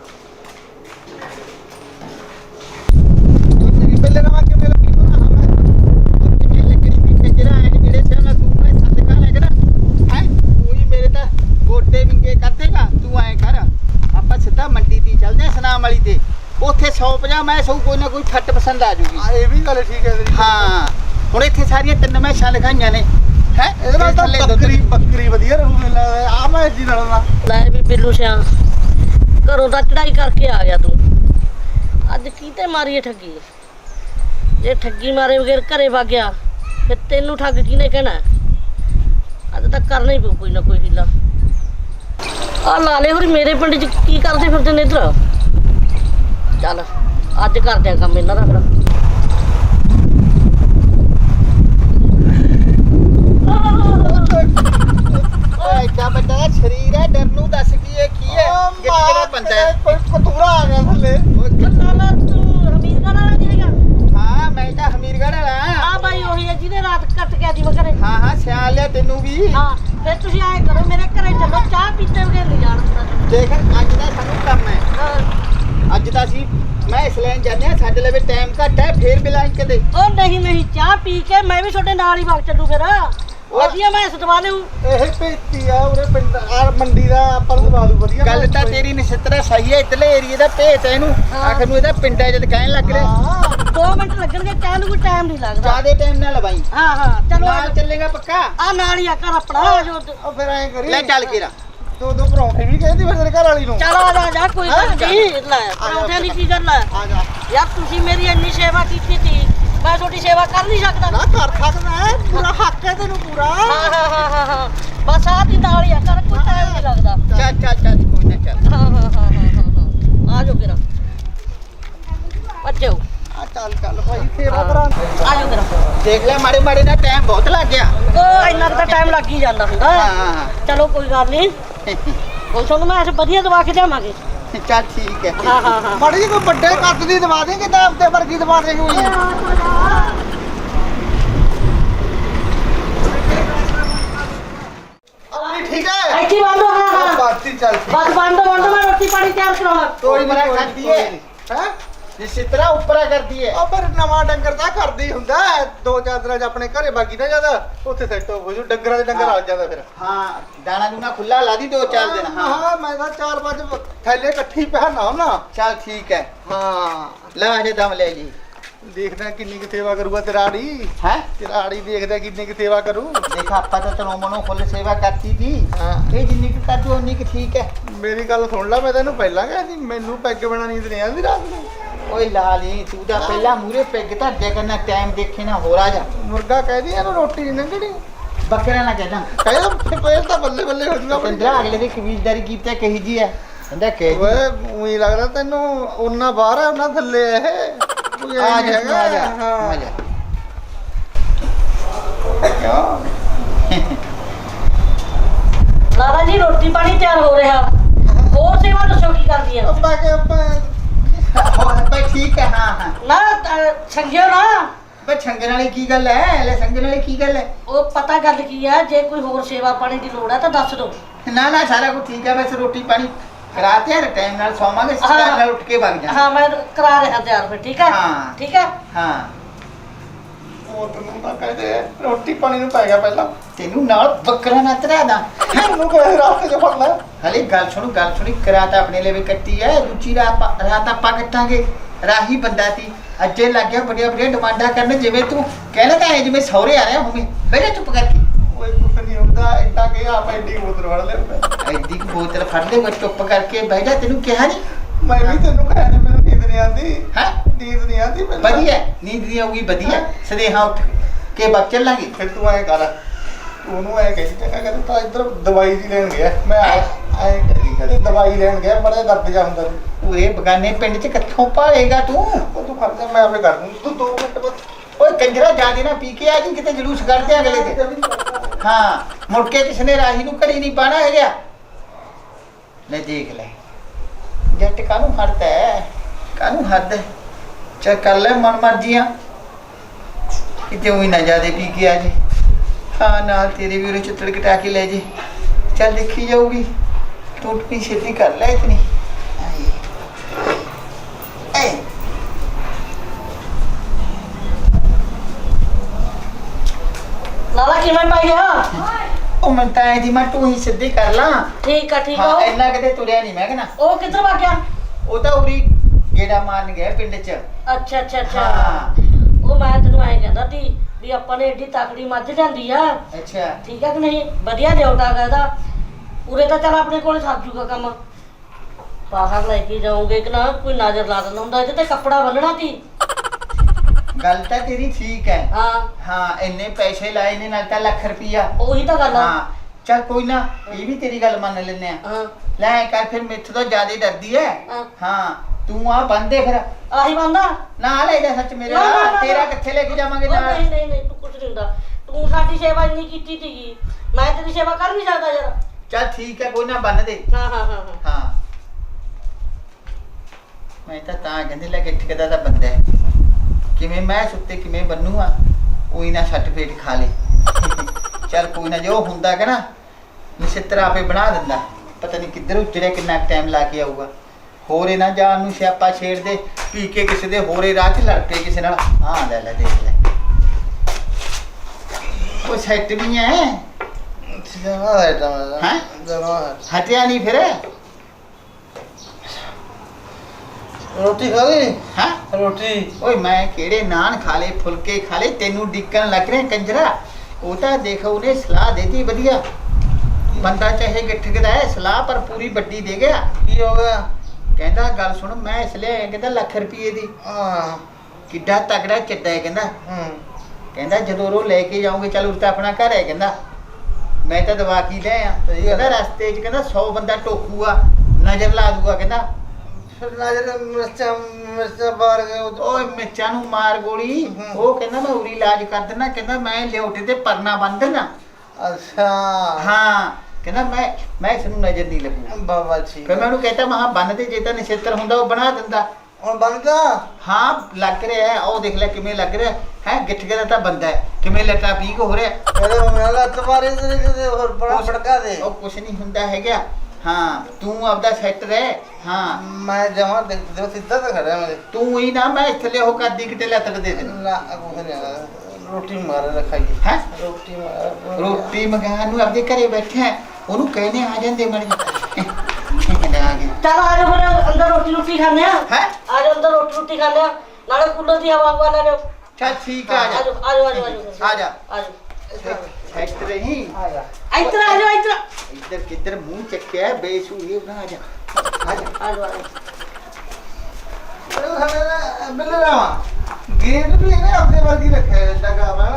Speaker 5: ਪਹਿਲੇ ਨਾ ਕਿ ਮੇਰਾ ਕੀ ਬਣਾ ਹਮਾ ਉਹ ਜਿਵੇਂ ਲੱਕੜੀ ਦੀ ਖੰਜਰਾ ਹੈ ਜਿਹੜੇ ਸੇ ਨਾ ਤੂੰ ਮੈਂ ਸਦਕਾ ਲੈ ਕੇ ਨਾ ਹੈ ਕੋਈ ਮੇਰੇ ਤਾਂ ਗੋਡੇ ਵਿੰਗੇ ਕਰ ਦੇਗਾ। ਤੂੰ ਐਂ ਕਰ ਆਪਾਂ ਸਿੱਧਾ ਮੰਡੀ ਦੀ ਚੱਲਦੇ ਆ ਸਨਾਮ ਵਾਲੀ ਤੇ। ਉੱਥੇ 150 ਮੈਂ ਸੌ ਕੋਈ ਨਾ ਕੋਈ ਫੱਟ ਪਸੰਦ ਆ ਜੂਗੀ।
Speaker 1: ਇਹ ਵੀ ਗੱਲ ਠੀਕ ਹੈ ਤੇਰੀ।
Speaker 5: ਹਾਂ ਹੁਣ ਇੱਥੇ ਸਾਰੀਆਂ 3 ਮੈਸਾਂ ਲਿਖਾਈਆਂ ਨੇ ਹੈ।
Speaker 1: ਇਹਦੇ ਨਾਲ ਤਾਂ ਬੱਕਰੀ ਵਧੀਆ ਰਹੂ ਮੈਨੂੰ ਲੱਗਦਾ ਆ ਮੈਂ ਜੀ ਨਾਲ ਨਾ।
Speaker 2: ਲੈ ਵੀ ਬਿੱਲੂ ਸਿਆ ਘਰੋਂ ਤਾਂ ਚੜਾਈ ਕਰਕੇ ਆ ਗਿਆ ਤੂੰ। ਅੱਜ ਕੀਤੇ ਮਾਰੀਏ ਠੱਗੀ? ਜੇ ਠੱਗੀ ਮਾਰੇ ਬਗੈਰ ਘਰੇ ਵਗ ਗਿਆ ਫਿਰ ਤੈਨੂੰ ਠੱਗ ਕਿਹਨੇ ਕਹਿਣਾ? ਅੱਜ ਤਾਂ ਕਰਨਾ ਹੀ ਪਊ ਕੋਈ ਨਾ ਕੋਈ ਹੀਲਾ। ਆ ਲਾਲੇ ਹੋਰੀ ਮੇਰੇ ਪਿੰਡ 'ਚ ਕੀ ਕਰਦੇ ਫਿਰਦੇ ਨੇ ਇੱਧਰ? ਚੱਲ ਅੱਜ ਕਰਦੇ ਆ ਕੰਮ ਇਹਨਾਂ ਦਾ ਫਿਰ।
Speaker 5: ਐਡਾ ਵੱਡਾ ਸਰੀਰ ਹੈ, ਡਰ ਨੂੰ ਦੱਸ ਕੀ ਹੈ ਕਿਹੜਾ ਬੰਦਾ ਹੈ?
Speaker 1: ਕੋਈ ਕਤੂਰਾ ਆ ਗਿਆ ਥੱਲੇ।
Speaker 2: ਲਾਲਾ ਤੂੰ ਹਮੀਰਗੜ੍ਹ ਵਾਲਾ ਨਹੀਂ ਹੈਗਾ?
Speaker 5: ਹਾਂ ਮੈਂ ਤਾਂ ਹਮੀਰਗੜ੍ਹ ਵਾਲਾ।
Speaker 2: ਆ ਬਾਈ ਉਹੀ ਹੈ ਜਿਹਨੇ ਰਾਤ ਕੱਟ ਕੇ ਆਦੀ ਘਰੇ।
Speaker 5: ਹਾਂ ਸਿਆਲ ਲਿਆ ਤੈਨੂੰ ਵੀ।
Speaker 2: ਹਾਂ ਫਿਰ ਤੁਸੀਂ ਆਏ ਕਰੋ ਮੇਰੇ ਘਰੇ ਚੱਲੋ, ਚਾਹ ਪੀਤੇ ਬਗੈਰ ਨਹੀਂ ਜਾਣ ਦਿੰਦਾ।
Speaker 5: ਦੇਖ ਅੱਜ ਦਾ ਸਾਨੂੰ ਕੰਮ ਹੈ।
Speaker 2: ਹਾਂ।
Speaker 5: ਅੱਜ ਦਾ ਅਸੀਂ ਮੈਂ ਇਸ ਲੈਣ ਜਾਂਦੇ ਆ, ਸਾਡੇ ਲਵੇ ਟਾਈਮ ਘੱਟ ਹੈ, ਫੇਰ ਬਿਲਾਈ ਕਦੇ।
Speaker 2: ਉਹ ਨਹੀਂ ਚਾਹ ਪੀ ਕੇ ਮੈਂ ਵੀ ਤੁਹਾਡੇ ਨਾਲ ਹੀ ਵਗ ਚੱਲੂ ਫਿਰ। ਵਧੀਆ ਮੈਂ ਸਦਵਾ ਲਿਓ।
Speaker 1: ਇਹ ਭੇਤੀ ਆ ਉਰੇ ਪਿੰਡ ਆ ਮੰਡੀ ਦਾ ਆਪਾਂ ਨੂੰ ਦਵਾ ਦੂ ਵਧੀਆ।
Speaker 5: ਗੱਲ ਤਾਂ ਤੇਰੀ ਨਛਿੱਤਰਾ ਸਹੀ ਹੈ, ਇਤਲੇ ਏਰੀਏ ਦਾ ਭੇਤ ਹੈ ਇਹਨੂੰ। ਆਖਰ ਨੂੰ ਇਹਦਾ ਪਿੰਡਾਂ 'ਚ ਕਹਿਣ ਲੱਗ ਰਿਹਾ।
Speaker 1: ਹਾਂ
Speaker 2: 2 ਮਿੰਟ ਲੱਗਣਗੇ, ਚਾਹ ਨੂੰ ਕੋਈ ਟਾਈਮ ਨਹੀਂ ਲੱਗਦਾ।
Speaker 5: ਜ਼ਿਆਦੇ ਟਾਈਮ ਨਾਲ ਲਵਾਈ।
Speaker 2: ਹਾਂ ਚਲੋ
Speaker 5: ਨਾਲ ਚੱਲੇਗਾ ਪੱਕਾ।
Speaker 2: ਆ ਨਾਲ ਹੀ ਆ ਘਰ ਆਪਣਾ ਜੋ।
Speaker 1: ਉਹ ਫਿਰ ਐਂ ਕਰੀ
Speaker 5: ਲੈ ਚੱਲ ਕੇ ਰਾ।
Speaker 1: ਦੋ ਪਰੌਂਠੇ ਵੀ ਕਹਿੰਦੀ ਫਿਰ ਤੇਰੇ ਘਰ ਵਾਲੀ ਨੂੰ।
Speaker 2: ਚਲੋ ਆ ਜਾ ਕੋਈ ਗੱਲ ਨਹੀਂ। ਲੈ ਪਰੌਂਠਿਆਂ ਦੀ ਕੀ ਗੱਲ ਹੈ?
Speaker 1: ਆ ਜਾ।
Speaker 2: ਯਾਰ ਤੁਸੀਂ ਮੇਰੀ ਇੰਨੀ ਸੇਵਾ ਕੀਤੀ ਸੀ, ਮੈਂ ਤੁਹਾਡੀ ਸੇਵਾ ਕਰ ਨਹੀਂ ਸਕਦਾ?
Speaker 1: ਨਾ ਕਰ ਸਕਦਾ ਹੈ, ਪੂਰਾ ਹੱਕ ਹੈ ਤੈਨੂੰ ਪੂਰਾ।
Speaker 2: ਹਾਂ ਬਸ ਆਹ ਦੀ ਨਾਲ ਹੀ ਆ ਘਰ, ਕੋਈ ਟਾਈਮ ਨਹੀਂ ਲੱਗਦਾ।
Speaker 5: ਚੱਲ ਕੋਈ ਨਾ ਚੱਲ।
Speaker 2: ਹਾਂ ਆ ਜਾਓ ਫਿਰ ਬੱਚੋ।
Speaker 1: ਆ ਚੱਲ ਭਾਈ ਸੇਵਾ ਕਰਾਂ।
Speaker 2: ਆ ਜਾਓ ਫਿਰ।
Speaker 5: ਦੇਖ ਲੈ ਮਾੜੇ ਦਾ ਟਾਈਮ ਬਹੁਤ ਲੱਗ ਗਿਆ।
Speaker 2: ਉਹ ਇੰਨਾ ਕੁ ਤਾਂ ਟਾਈਮ ਲੱਗ ਹੀ ਜਾਂਦਾ ਹੁੰਦਾ।
Speaker 5: ਹਾਂ
Speaker 2: ਚਲੋ ਕੋਈ ਗੱਲ ਨਹੀਂ, ਉਹ ਤੁਹਾਨੂੰ ਮੈਂ ਅੱਜ ਵਧੀਆ ਦਵਾ ਕੇ ਜਾਵਾਂਗੇ।
Speaker 5: ਚੱਲ ਠੀਕ ਹੈ।
Speaker 2: ਹਾਂ
Speaker 1: ਮਾੜੀ ਜਿਹੀ ਕੋਈ ਵੱਡੇ ਕੱਦ ਦੀ ਦਵਾ ਦੇਂਗੇ ਤਾਂ ਆਪਦੇ ਵਰਗੀ ਦਵਾ ਦੇਂਗੇ ਕੋਈ। ਆਪਣੀ ਠੀਕ ਹੈ।
Speaker 2: ਇੱਥੇ ਬੰਦ ਹੋ। ਹਾਂ
Speaker 1: ਬਾਤੀ ਚੱਲ ਠੀਕ।
Speaker 2: ਬਸ ਬੰਦ ਮੈਂ ਰੋਟੀ ਪਾਣੀ ਤਿਆਰ ਕਰਾਉਣਾ।
Speaker 5: ਤੋੜੀ ਮਰਾ ਖਾਦੀ ਹੈ
Speaker 1: ਹੈ
Speaker 5: ਨਛਿੱਤਰਾ ਉੱਪਰਾ ਕਰਦੀ ਹੈ।
Speaker 1: ਉਹ ਫਿਰ ਨਵਾਂ ਡੰਗਰ ਤਾਂ ਕਰਦੀ ਹੁੰਦਾ 2-4 ਦਿਨਾਂ ਚ ਆਪਣੇ ਘਰੇ ਬਾਗੀ ਨਾ ਜਾਂਦਾ ਉੱਥੇ ਸੈੱਟ ਹੋ ਜੂ ਡੰਗਰਾਂ ਦੇ ਡੰਗਰ ਆ ਜਾਂਦਾ ਫਿਰ।
Speaker 5: ਹਾਂ ਦਾਣਾ ਦੂਣਾ ਖੁੱਲਾ ਲਾ ਦੀ 2-4 ਦਿਨ।
Speaker 1: ਹਾਂ ਮੈਂ ਤਾਂ 4-5 ਥੈਲੇ ਇਕੱਠੀ ਪਹਿਨਾ ਹੁੰਨਾ।
Speaker 5: ਚੱਲ ਠੀਕ ਹੈ।
Speaker 1: ਹਾਂ
Speaker 5: ਲੈ ਅਜੇ ਦਮ ਲੈ ਜੀ।
Speaker 1: ਦੇਖਦਾ ਕਿੰਨੀ ਕੁ ਸੇਵਾ ਕਰੂਗਾ ਤੇਰਾ ਆੜੀ।
Speaker 5: ਹੈ
Speaker 1: ਤੇਰਾ ਆੜੀ ਦੇਖਦਾ ਕਿੰਨੀ ਕੁ ਸੇਵਾ ਕਰੂ।
Speaker 5: ਦੇਖ ਆਪਾਂ ਤਾਂ ਤਨੋਂ ਮਨੋਂ ਫੁੱਲ ਸੇਵਾ ਕਰਤੀ ਸੀ।
Speaker 1: ਹਾਂ
Speaker 5: ਇਹ ਜਿੰਨੀ ਕੁ ਕਰ ਤੂੰ ਉਨੀ ਕੁ ਠੀਕ ਹੈ।
Speaker 1: ਮੇਰੀ ਗੱਲ ਸੁਣ ਲੈ, ਮੈਂ ਤੈਨੂੰ ਪਹਿਲਾਂ ਕਿਹਾ ਸੀ ਮੈਨੂੰ ਪੈਗ ਬਿਨਾ ਨੀਂਦ ਨਹੀਂ ਆਉਂਦੀ ਰਾਤ ਨੂੰ।
Speaker 5: ਓਏ ਲਾ ਲਈ ਤੂੰ ਤਾਂ ਪਹਿਲਾਂ ਮੂਰੇ ਪੈਗ ਧਰਦਿਆ ਕਰਨਾ, ਟਾਈਮ ਦੇਖੇ ਨਾ ਹੋਰ ਆ ਜਾ।
Speaker 1: ਮੁਰਗਾ ਕਹਿਦੀ ਇਹਨੂੰ ਰੋਟੀ ਨਹੀਂ ਲੰਘਣੀ।
Speaker 5: ਬੱਕਰਾ ਨਾ ਕਹਿਦਾ
Speaker 1: ਕਹਿੰਦਾ ਫੇਰ ਤਾਂ ਬੱਲੇ ਬੱਲੇ ਹੋ ਜੂਗਾ।
Speaker 5: ਪੰਦਰਾ ਅਗਲੇ ਦੀ ਕਬੀਲਦਾਰੀ ਕੀਤੀ ਕਹੀ ਜੀ ਹੈ। ਕਹਿੰਦਾ ਕਹਿ ਜੀ
Speaker 1: ਓਏ ਉਹੀ ਲੱਗਦਾ ਤੈਨੂੰ ਉਹਨਾਂ ਬਾਹਰ ਹੈ ਉਹਨਾਂ ਥੱਲੇ ਇਹ ਕੋਈ
Speaker 5: ਆ
Speaker 1: ਐਂ ਨੀ
Speaker 5: ਜਾ
Speaker 1: ਹੈਗਾ।
Speaker 5: ਆ ਜਾ
Speaker 1: ਹਾਂ।
Speaker 5: ਆ ਜਾ।
Speaker 2: ਲਾਲਾ ਜੀ ਰੋਟੀ ਪਾਣੀ ਤਿਆਰ ਹੋ ਰਿਹਾ ਹੋਰ ਸੇਵਾ ਦੱਸੋ ਕੀ ਕਰਦੀ ਹੈ
Speaker 5: ਅੱਪਾ ਕੇ ਅੱਪਾ ਠੀਕ ਹੈ ਹਾਂ
Speaker 2: ਨਾ ਸੰਗਿਓ ਨਾ
Speaker 5: ਬਈ ਛੰਗਣ ਵਾਲੀ ਕੀ ਗੱਲ ਹੈ ਲੈ ਸੰਗਣ ਵਾਲੀ ਕੀ ਗੱਲ ਹੈ
Speaker 2: ਉਹ ਪਤਾ ਗੱਲ ਕੀ ਹੈ ਜੇ ਕੋਈ ਹੋਰ ਸੇਵਾ ਪਾਣੀ ਦੀ ਲੋੜ ਹੈ ਤਾਂ ਦੱਸ ਦਿਓ
Speaker 5: ਨਾ ਨਾ ਸਾਰਾ ਕੁਝ ਠੀਕ ਹੈ ਬਸ ਰੋਟੀ ਪਾਣੀ ਕਰਾਤੇ ਯਾਰ ਟਾਈਮ ਨਾਲ ਸੌਵਾਂਗੇ ਟਾਈਮ ਨਾਲ ਉੱਠ ਕੇ ਵਗ ਜਾਣਾ
Speaker 2: ਹਾਂ ਮੈਂ ਕਰਾ ਰਿਹਾ ਤਿਆਰ ਫਿਰ ਠੀਕ ਹੈ
Speaker 5: ਹਾਂ।
Speaker 2: ਠੀਕ ਹੈ
Speaker 5: ਹਾਂ
Speaker 1: ਉਹ ਤੈਨੂੰ ਤਾਂ ਕਹਦੇ ਰੋਟੀ ਪਾਣੀ ਨੂੰ ਪੈ ਗਿਆ ਪਹਿਲਾਂ
Speaker 5: ਤੈਨੂੰ ਨਾਲ ਬੱਕਰਾ ਨਾ ਤਰਾਦਾ
Speaker 1: ਤੈਨੂੰ ਕਹੇ ਰਾਸਤੇ 'ਚ ਫੜ ਲੈ
Speaker 5: ਹਲੇ ਗੱਲ ਸੁਣੀ ਕਰਾਤ ਆਪਣੇ ਲਈ ਵੀ ਕੱਟੀ ਹੈ ਦੂਜੀ ਰਾਤ ਆਪਾਂ ਕੱਟਾਂਗੇ ਰਾਹੀ ਬੰਦਾ ਤੀ ਅੱਜੇ ਲੱਗ ਗਿਆ ਬੜੀਆਂ ਡਿਮਾਂਡਾਂ ਕਰਨ ਜਿਵੇਂ ਤੂੰ ਕਹਿਣਾ ਤਾਂ ਹੈ ਜਿਵੇਂ ਸਹੁਰੇ ਆ ਰਿਹਾ ਹੋਵੇਂ ਬੈਠਾ ਚੁੱਪ ਕਰਕੇ
Speaker 1: ਓਏ ਕੁਛ ਨਹੀਂ ਹੁੰਦਾ ਏਦਾਂ ਕਿ ਆਪਾਂ ਐਡੀ ਬੋਤਲ ਫੜ ਲੈ
Speaker 5: ਐਡੀ ਕੁ ਬੋਤਲ ਫੜ ਲੈ ਮੈਂ ਚੁੱਪ ਕਰਕੇ ਬਹਿ ਜਾ ਤੈਨੂੰ ਕਿਹਾ ਨਹੀਂ
Speaker 1: ਮੈਂ ਵੀ ਤੈਨੂੰ ਕਹਿਆ ਮੈਨੂੰ ਨੀਂਦ ਨਹੀਂ ਆਉਂਦੀ
Speaker 5: ਹੈ
Speaker 1: ਨੀਂਦ ਨਹੀਂ ਆਉਂਦੀ ਮੈਨੂੰ
Speaker 5: ਵਧੀਆ ਨੀਂਦ ਨਹੀਂ ਆਊਗੀ ਵਧੀਆ ਸਦੇਹਾ ਉੱਠ ਕੇ ਬਾਅਦ ਚੱਲਾਂਗੇ
Speaker 1: ਫਿਰ ਤੂੰ ਐ ਕਰ ਉਹਨੂੰ ਐ ਕਹੀ ਚੰਗਾ ਕਹਿੰਦਾ ਤਾਂ ਇੱਧਰ ਦਵਾਈ ਜੀ ਲੈਣ ਗਿਆ ਮੈਂ ਐ ਕਹੀ ਕਦੇ ਦਵਾਈ ਲੈਣ ਗਿਆ ਬੜਾ ਦਰਦ ਜਾ ਹੁੰਦਾ
Speaker 5: ਪੂਰੇ ਬਗਾਨੇ ਪਿੰਡ 'ਚ ਕਿੱਥੋਂ ਪਾਏਗਾ ਤੂੰ
Speaker 1: ਉਹ ਤੂੰ ਫੜ ਜਾ ਮੈਂ ਆਪੇ ਕਰ ਦੂੰ ਤੂੰ 2 ਮਿੰਟ ਬਸ
Speaker 5: ਓਏ ਕੰਜਰਾ ਜਾ ਦੇ ਨਾ ਪੀ ਕੇ ਆ ਜੀ ਕਿਤੇ ਜਲੂਸ ਕੱਢਦੇ ਅਗਲੇ ਤੇ ਹਾਂ ਮੁੜ ਕੇ ਕਿਸਨੇ ਰਾਹੀ ਨੂੰ ਘੜੀ ਨਹੀਂ ਪਾਣਾ ਹੈਗਾ ਲੈ ਦੇਖ ਲੈ ਜੱਟ ਕਾਹਨੂੰ ਹਰਦਾ ਹੈ ਕਾਹਨੂੰ ਹੱਦ ਚੱਲ ਕਰ ਲੈ ਮਨ ਮਰਜ਼ੀਆਂ ਕਿਤੇ ਉਹੀ ਨਾ ਜਾਦੇ ਪੀ ਕੇ ਆ ਜੇ ਹਾਂ ਨਾਲ ਤੇਰੇ ਵੀ ਉਹਨੇ ਚਿੱਤੜ ਕਟਾ ਕੇ ਲੈ ਜੇ ਚੱਲ ਦੇਖੀ ਜਾਊਗੀ ਟੁੱਟ ਪੀ ਛੇਤੀ ਕਰ ਲੈ ਇਤਨੀ ਐ
Speaker 2: ਲਾਲਾ ਕਿਵੇਂ ਪਾਈ ਗਿਆ
Speaker 5: ਉਹ ਮੈਂ ਤਾਂ ਐ ਦੀ ਮੈਂ ਤੂੰ ਹੀ ਸਿੱਧੀ ਕਰ ਲਾਂ
Speaker 2: ਠੀਕ ਆ ਠੀਕ ਆ
Speaker 5: ਹਾਂ ਇੰਨਾ ਕਿਤੇ ਤੁਰਿਆ ਨਹੀਂ ਮੈਂ ਕਹਿੰਦਾ
Speaker 2: ਉਹ ਕਿੱਧਰ ਵਗ ਗਿਆ
Speaker 5: ਉਹ ਤਾਂ ਉਰੀ ਗੇੜਾ ਮਾਰਨ ਗਿਆ ਪਿੰਡ 'ਚ
Speaker 2: ਅੱਛਾ ਅੱਛਾ ਅੱਛਾ
Speaker 5: ਹਾਂ।
Speaker 2: ਉਹ ਮੈਂ ਤੈਨੂੰ ਐਂ ਕਹਿੰਦਾ ਸੀ ਵੀ ਆਪਾਂ ਨੇ ਏਡੀ ਤਕੜੀ ਮੱਝ ਲਿਆਂਦੀ ਆ
Speaker 5: ਅੱਛਾ
Speaker 2: ਠੀਕ ਆ ਕਿ ਨਹੀਂ ਵਧੀਆ ਲਿਆਉਟਾ ਗਾ ਇਹਦਾ ਉਰੇ ਤਾਂ ਚੱਲ ਆਪਣੇ ਕੋਲ ਸਰ ਜੂਗਾ ਕੰਮ ਬਾਹਰ ਲੈ ਕੇ ਜਾਓਗੇ ਕਿ ਨਾ ਕੋਈ ਨਜ਼ਰ ਲਾ ਦਿੰਦਾ ਹੁੰਦਾ ਇਹਦੇ ਤੇ ਕੱਪੜਾ ਬੰਨਣਾ ਸੀ
Speaker 5: ਗੱਲ ਤਾਂ ਤੇਰੀ ਠੀਕ ਹੈ
Speaker 2: ਹਾਂ
Speaker 5: ਹਾਂ ਇੰਨੇ ਪੈਸੇ ਲਾਏ ਨੇ ਨਾਲ ਤਾਂ ਲੱਖ ਰੁਪਈਆ
Speaker 2: ਉਹੀ ਤਾਂ ਗੱਲ ਆ
Speaker 5: ਹਾਂ ਚੱਲ ਕੋਈ ਨਾ ਇਹ ਵੀ ਤੇਰੀ ਗੱਲ ਮੰਨ ਲੈਨੇ ਆ
Speaker 2: ਹਾਂ
Speaker 5: ਲੈ ਐਂ ਕਰ ਫਿਰ ਮੈਥੋਂ ਤਾਂ ਜ਼ਿਆਦਾ ਡਰਦੀ ਐ
Speaker 2: ਹਾਂ।
Speaker 5: ਹਾਂ ਤੂੰ ਆ ਬੰਦੇ ਫਿਰ
Speaker 2: ਆਹੀ ਬੰਦਾ
Speaker 5: ਨਾ ਲੈ ਜਾ ਸੱਚ ਮੇਰੇ
Speaker 2: ਨਾ, ਨਾ,
Speaker 5: ਨਾਲ
Speaker 2: ਨਾ,
Speaker 5: ਤੇਰਾ
Speaker 2: ਨਾ।
Speaker 5: ਕਿੱਥੇ ਲੈ ਕੇ ਜਾਵਾਂਗੇ
Speaker 2: ਉਹ
Speaker 5: ਨਾਲ
Speaker 2: ਨਹੀਂ ਨਹੀਂ ਨਹੀਂ ਤੂੰ ਕੁਝ ਨਹੀਂ ਹੁੰਦਾ ਤੂੰ ਸਾਡੀ ਸੇਵਾ ਇੰਨੀ ਕੀਤੀ ਸੀਗੀ ਮੈਂ ਤੇਰੀ ਸੇਵਾ ਕਰ ਨਹੀਂ ਸਕਦਾ ਯਾਰ
Speaker 5: ਚੱਲ ਠੀਕ ਹੈ ਕੋਈ ਨਾ ਬੰਨ ਦੇ
Speaker 2: ਹਾਂ ਹਾਂ ਹਾਂ ਹਾਂ
Speaker 5: ਹਾਂ ਮੈਂ ਤਾਂ ਕਹਿੰਦੇ ਲੈ ਕੇ ਠਿਕਦਾ ਦਾ ਬੰਦਾ ਹੈ ਕਿਵੇਂ ਮੈਂ ਸੁੱਤੇ ਕਿਵੇਂ ਬੰਨੂ ਆ ਕੋਈ ਨਾ ਛੱਟ ਫੇਟ ਖਾ ਲੇ ਚੱਲ ਕੋਈ ਨਾ ਜੋ ਹੁੰਦਾ ਕਿ ਨਾ ਨਿਸ਼ਤਰਾ ਆਪੇ ਬਣਾ ਦਿੰਦਾ ਪਤਾ ਨਹੀਂ ਕਿੱਧਰ ਉਜੜਿਆ ਕਿੰਨਾ ਟਾਈਮ ਲਾ ਕੇ ਆਊਗਾ ਹੋਰੇ ਨਾ ਜਾਣ ਨੂੰ ਸਿਆਪਾ ਛੇੜਦੇ ਪੀ ਕੇ ਕਿਸੇ ਦੇ ਹੋਰੇ ਰਾਹ 'ਚ ਲੜ ਪਏ ਕਿਸੇ ਨਾਲ ਹਾਂ ਲੈ ਲੈ ਦੇਖ ਲੈ ਉਹ ਸੈੱਟ ਵੀ ਹੈ ਹੈਂ? ਹਟਿਆ ਨਹੀਂ ਫਿਰ
Speaker 1: ਰੋਟੀ ਖਾ ਲਈ
Speaker 5: ਹਾਂ
Speaker 1: ਰੋਟੀ
Speaker 5: ਓਏ ਮੈਂ ਕਿਹੜੇ ਨਾਨ ਖਾ ਲੇ ਫੁਲਕੇ ਖਾ ਲੇ ਤੈਨੂੰ ਡਿੱਕਣ ਲੱਗ ਰਿਹਾ ਕੰਜਰਾ ਉਹ ਤਾਂ ਦੇਖ ਉਹਨੇ ਸਲਾਹ ਦੇਤੀ ਵਧੀਆ ਬੰਦਾ ਚਾਹੇ ਗਿੱਠਕਦਾ ਹੈ ਸਲਾਹ ਪਰ ਪੂਰੀ ਵੱਡੀ ਦੇ ਗਿਆ
Speaker 1: ਕੀ ਹੋ ਗਿਆ
Speaker 5: ਕਹਿੰਦਾ ਗੱਲ ਸੁਣ ਮੈਂ ਇਸ ਲਈ ਕਹਿੰਦਾ ਲੱਖ ਰੁਪਏ ਦੀ
Speaker 1: ਹਾਂ
Speaker 5: ਕਿੱਡਾ ਤਗੜਾ ਚੱਡਾ ਹੈ ਕਹਿੰਦਾ ਕਹਿੰਦਾ ਜਦੋਂ ਉਹ ਲੈ ਕੇ ਜਾਓਗੇ ਚੱਲ ਉਰਤਾ ਆਪਣਾ ਘਰ ਹੈ ਕਹਿੰਦਾ ਮੈਂ ਤਾਂ ਦਵਾ ਕੀ ਲੈ ਆ ਕਹਿੰਦਾ ਰਸਤੇ 'ਚ ਕਹਿੰਦਾ 100 ਬੰਦਾ ਟੋਕੂਗਾ ਨਜ਼ਰ ਲਾ ਦੂਗਾ ਕਹਿੰਦਾ
Speaker 1: ਫਿਰ ਨਜ਼ਰ ਮਿਰਚਾਂ ਬਾਹਰ ਗਏ
Speaker 5: ਓਏ ਮਿਰਚਾਂ ਨੂੰ ਮਾਰ ਗੋਲੀ ਉਹ ਕਹਿੰਦਾ ਮੈਂ ਉਰੀ ਇਲਾਜ ਕਰ ਦਿੰਦਾ ਕਹਿੰਦਾ ਮੈਂ ਲਿਓਟੇ ਤੇ ਪਰਨਾ ਬੰਨ ਦੇਣਾ
Speaker 1: ਅੱਛਾ
Speaker 5: ਹਾਂ ਕਹਿੰਦਾ ਮੈਂ ਇਸ ਨੂੰ ਨਜ਼ਰ ਨਹੀਂ ਲੱਗੂ
Speaker 1: ਬਾਬਾ ਜੀ
Speaker 5: ਫਿਰ ਮੈਂ ਉਹਨੂੰ ਕਹਿੰਦਾ ਮਹਾ ਬੰਨ ਦੇ ਜੇ ਤਾਂ ਨਛੇਤਰ ਹੁੰਦਾ ਉਹ ਬਣਾ ਦਿੰਦਾ
Speaker 1: ਹੁਣ ਬੰਦਾ
Speaker 5: ਹਾਂ ਲੱਗ ਰਿਹਾ ਹੈ ਉਹ ਦੇਖ ਲੈ ਕਿਵੇਂ ਲੱਗ ਰਿਹਾ ਹੈ ਗਿੱਠ ਦਾ ਤਾਂ ਬੰਦਾ ਹੈ ਕਿਵੇਂ ਲੱਟਾ ਪੀਕ ਹੋ ਰਿਹਾ
Speaker 1: ਮੇਰੇ ਮੇਰਾ ਤੁਹਾਰੇ ਦੇ ਹੋਰ ਬੜਾ ਫੜਕਾ ਦੇ
Speaker 5: ਉਹ ਕੁਛ ਨਹੀਂ ਹੁੰਦਾ ਹੈਗਾ ਹਾਂ ਤੂੰ ਆਪਦਾ ਸੈੱਟ ਰਹਿ ਹਾਂ
Speaker 1: ਮੈਂ ਜਮਾ ਦੇ ਸਿੱਧਾ ਤਾਂ ਖੜਾ ਮੈਂ
Speaker 5: ਤੂੰ ਹੀ ਨਾ ਮੈਂ ਇੱਥੇ ਉਹ ਕਰਦੀ ਕਿਤੇ ਲੱਤ ਦੇ ਦੇ
Speaker 1: ਨਾ ਕੁਝ ਨਹੀਂ ਰੋਟੀ ਮਾਰ ਰਖਾਈ
Speaker 5: ਹੈ
Speaker 1: ਰੋਟੀ ਮਾਰ
Speaker 5: ਰੋਟੀ ਮੰਗਾਉਣ ਨੂੰ ਆਪਦੇ ਘਰੇ ਬੈਠਾ ਹੈ, ਉਹਨੂੰ ਕਹਿੰਦੇ ਆ ਜਾਂਦੇ ਮੜ ਆ ਗਏ
Speaker 2: ਚੱਲ ਆ ਜਾਓ ਫਿਰ ਅੰਦਰ ਰੋਟੀ ਖਾਣੇ ਆ
Speaker 5: ਹੈ
Speaker 2: ਆ ਜਾਓ ਅੰਦਰ ਰੋਟੀ ਖਾਣੇ ਆ ਨਾਲੇ ਕੂਲਰ ਦੀ ਹਵਾ ਹਵਾ ਲੈ ਲਿਓ
Speaker 5: ਚੱਲ ਠੀਕ ਆ
Speaker 2: ਆ
Speaker 5: ਜਾ
Speaker 2: ਜਾਓ ਆ ਜਾਓ ਆ ਜਾਓ
Speaker 5: ਆ ਜਾ
Speaker 2: ਆ ਜਾਓ
Speaker 5: ਸੈੱਟ ਰਹੀ
Speaker 1: ਆ ਜਾ
Speaker 2: ਇੱਧਰ ਆ ਜਾਓ ਇੱਧਰ
Speaker 5: ਇੱਧਰ ਕਿੱਧਰ ਮੂੰਹ ਚੱਕਿਆ ਬੇਸੂਰੀ ਬਣਾ ਜਾ ਆ ਜਾ
Speaker 2: ਆ ਜਾਓ ਆ ਜਾਓ
Speaker 1: ਬਿੱਲੇ ਰਾਵਾ ਗੇਟ ਵੀ ਇਹਨੇ ਆਪਣੇ ਵਰਗੀ ਰੱਖਿਆ ਹੈ ਜਗ੍ਹਾ ਵਾ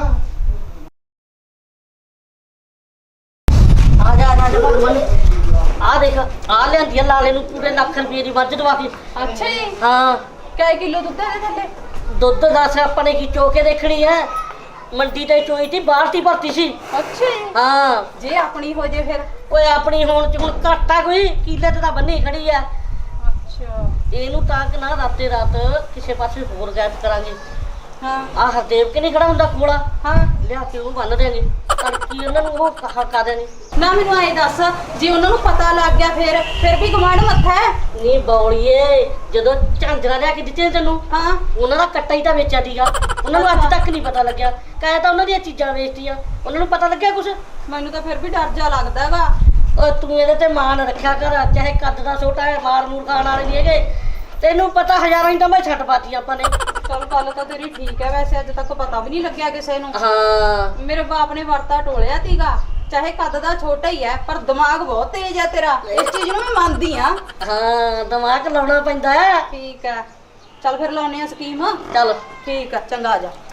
Speaker 2: ਆ ਜਾ ਆ ਦੇਖ ਆ ਲਿਆਂਦੀ ਆ ਲਾਲੇ ਨੂੰ ਪੂਰੇ ਲੱਖ ਰੁਪਏ ਦੀ ਮੱਝ ਦਵਾ ਕੇ
Speaker 3: ਅੱਛਾ ਜੀ
Speaker 2: ਹਾਂ
Speaker 3: ਕਿੰਨੇ ਕਿਲੋ ਦੁੱਧ ਹੈ ਇਹਦੇ ਥੱਲੇ
Speaker 2: ਦੁੱਧ ਦੱਸ ਆਪਾਂ ਨੇ ਕੀ ਚੋ ਕੇ ਦੇਖਣੀ ਹੈ ਮੰਡੀ ਤੇ ਚੋਈ ਤੀ ਬਾਹਰ ਤੀ ਭਰਤੀ ਸੀ।
Speaker 4: ਅੱਛਾ ਜੀ।
Speaker 2: ਹਾਂ
Speaker 4: ਜੇ ਆਪਣੀ ਹੋ ਜੇ ਫਿਰ।
Speaker 2: ਓਏ ਆਪਣੀ ਹੋਣ ਚ ਹੁਣ ਘਾਟਾ ਕੋਈ ਕੀਲੇ ਤੇ ਤਾਂ ਬੰਨੀ ਖੜੀ ਆ।
Speaker 4: ਅੱਛਾ।
Speaker 2: ਇਹਨੂੰ ਤਾਂ ਕਿ ਨਾ ਰਾਤੇ ਰਾਤ ਕਿਸੇ ਪਾਸੇ ਹੋਰ ਗੈਪ ਕਰਾਂਗੇ।
Speaker 4: ਹਾਂ
Speaker 2: ਆ ਹਰਦੇਵ ਕਿ ਨਹੀਂ ਖੜਾ ਹੁੰਦਾ ਕੋਲਾ,
Speaker 4: ਹਾਂ।
Speaker 2: ਲਿਆ ਕੇ ਉਹਨੂੰ ਬੰਨ ਦੇਾਂਗੇ ਤੜਕੀ ਉਹਨਾਂ ਨੂੰ ਉਹ ਹਕਾ ਦੇਣੀ।
Speaker 4: ਨਾ ਮੈਨੂੰ ਐ ਦੱਸ, ਜੇ ਉਹਨਾਂ ਨੂੰ ਪਤਾ ਲੱਗ ਗਿਆ ਫਿਰ ਵੀ ਗਵਾਂਢ ਮੱਥਾ ਹੈ।
Speaker 2: ਨਹੀਂ ਬੌਲੀਏ, ਜਦੋਂ ਝਾਂਜਰਾ ਲਿਆ ਕੇ ਦਿੱਤੇ ਤੈਨੂੰ,
Speaker 4: ਹਾਂ
Speaker 2: ਉਹਨਾਂ ਦਾ ਕੱਟਾ ਹੀ ਤਾਂ ਵੇਚਿਆ ਸੀਗਾ। ਉਹਨਾਂ ਨੂੰ ਅੱਜ ਤੱਕ ਨਹੀਂ ਪਤਾ ਲੱਗਿਆ। ਕਹੇ ਤਾਂ ਉਹਨਾਂ ਦੀਆਂ ਚੀਜ਼ਾਂ ਵੇਚਤੀਆਂ, ਉਹਨਾਂ ਨੂੰ ਪਤਾ ਲੱਗਿਆ ਕੁਛ?
Speaker 4: ਮੈਨੂੰ ਤਾਂ ਫਿਰ ਵੀ ਡਰ ਜਾ ਲੱਗਦਾ ਵਾ।
Speaker 2: ਓ ਤੂੰ ਇਹਦੇ ਤੇ ਮਾਣ ਰੱਖਿਆ ਕਰ, ਚਾਹੇ ਕੱਦ ਦਾ ਛੋਟਾ ਹੈ, ਮਾਰ ਮੂਰ ਖਾਣ ਵਾਲੇ ਨਹੀਂ ਹੈਗੇ। ਤੈਨੂੰ ਪਤਾ ਹਜ਼ਾਰਾਂ ਹੀ ਤਾਂ ਮੈਂ ਛੱਡ ਪਾਤੀ ਆਪਾਂ ਨੇ।
Speaker 4: ਚਲ ਗੱਲ ਤਾਂ ਤੇਰੀ ਠੀਕ ਹੈ, ਵੈਸੇ ਅੱਜ ਤੱਕ ਪਤਾ ਵੀ ਨਹੀਂ ਲੱਗਿਆ ਕਿਸੇ ਨੂੰ।
Speaker 2: ਹਾਂ
Speaker 4: ਮੇਰੇ ਬਾਪ ਨੇ ਵਰਤਾ ਟੋਲਿਆ ਤੀਗਾ, ਚਾਹੇ ਕੱਦ ਦਾ ਛੋਟਾ ਹੀ ਹੈ ਪਰ ਦਿਮਾਗ ਬਹੁਤ ਤੇਜ਼ ਹੈ ਤੇਰਾ। ਇਸ ਚੀਜ਼ ਨੂੰ ਮੈਂ ਮੰਨਦੀ ਆ।
Speaker 2: ਹਾਂ ਦਿਮਾਗ ਲਾਉਣਾ ਪੈਂਦਾ ਹੈ।
Speaker 4: ਠੀਕ ਹੈ, ਚੱਲ ਫਿਰ ਲਾਉਨੇ ਆ ਸਕੀਮ।
Speaker 2: ਚੱਲ
Speaker 4: ਠੀਕ ਆ, ਚੰਗਾ ਆ ਜਾ।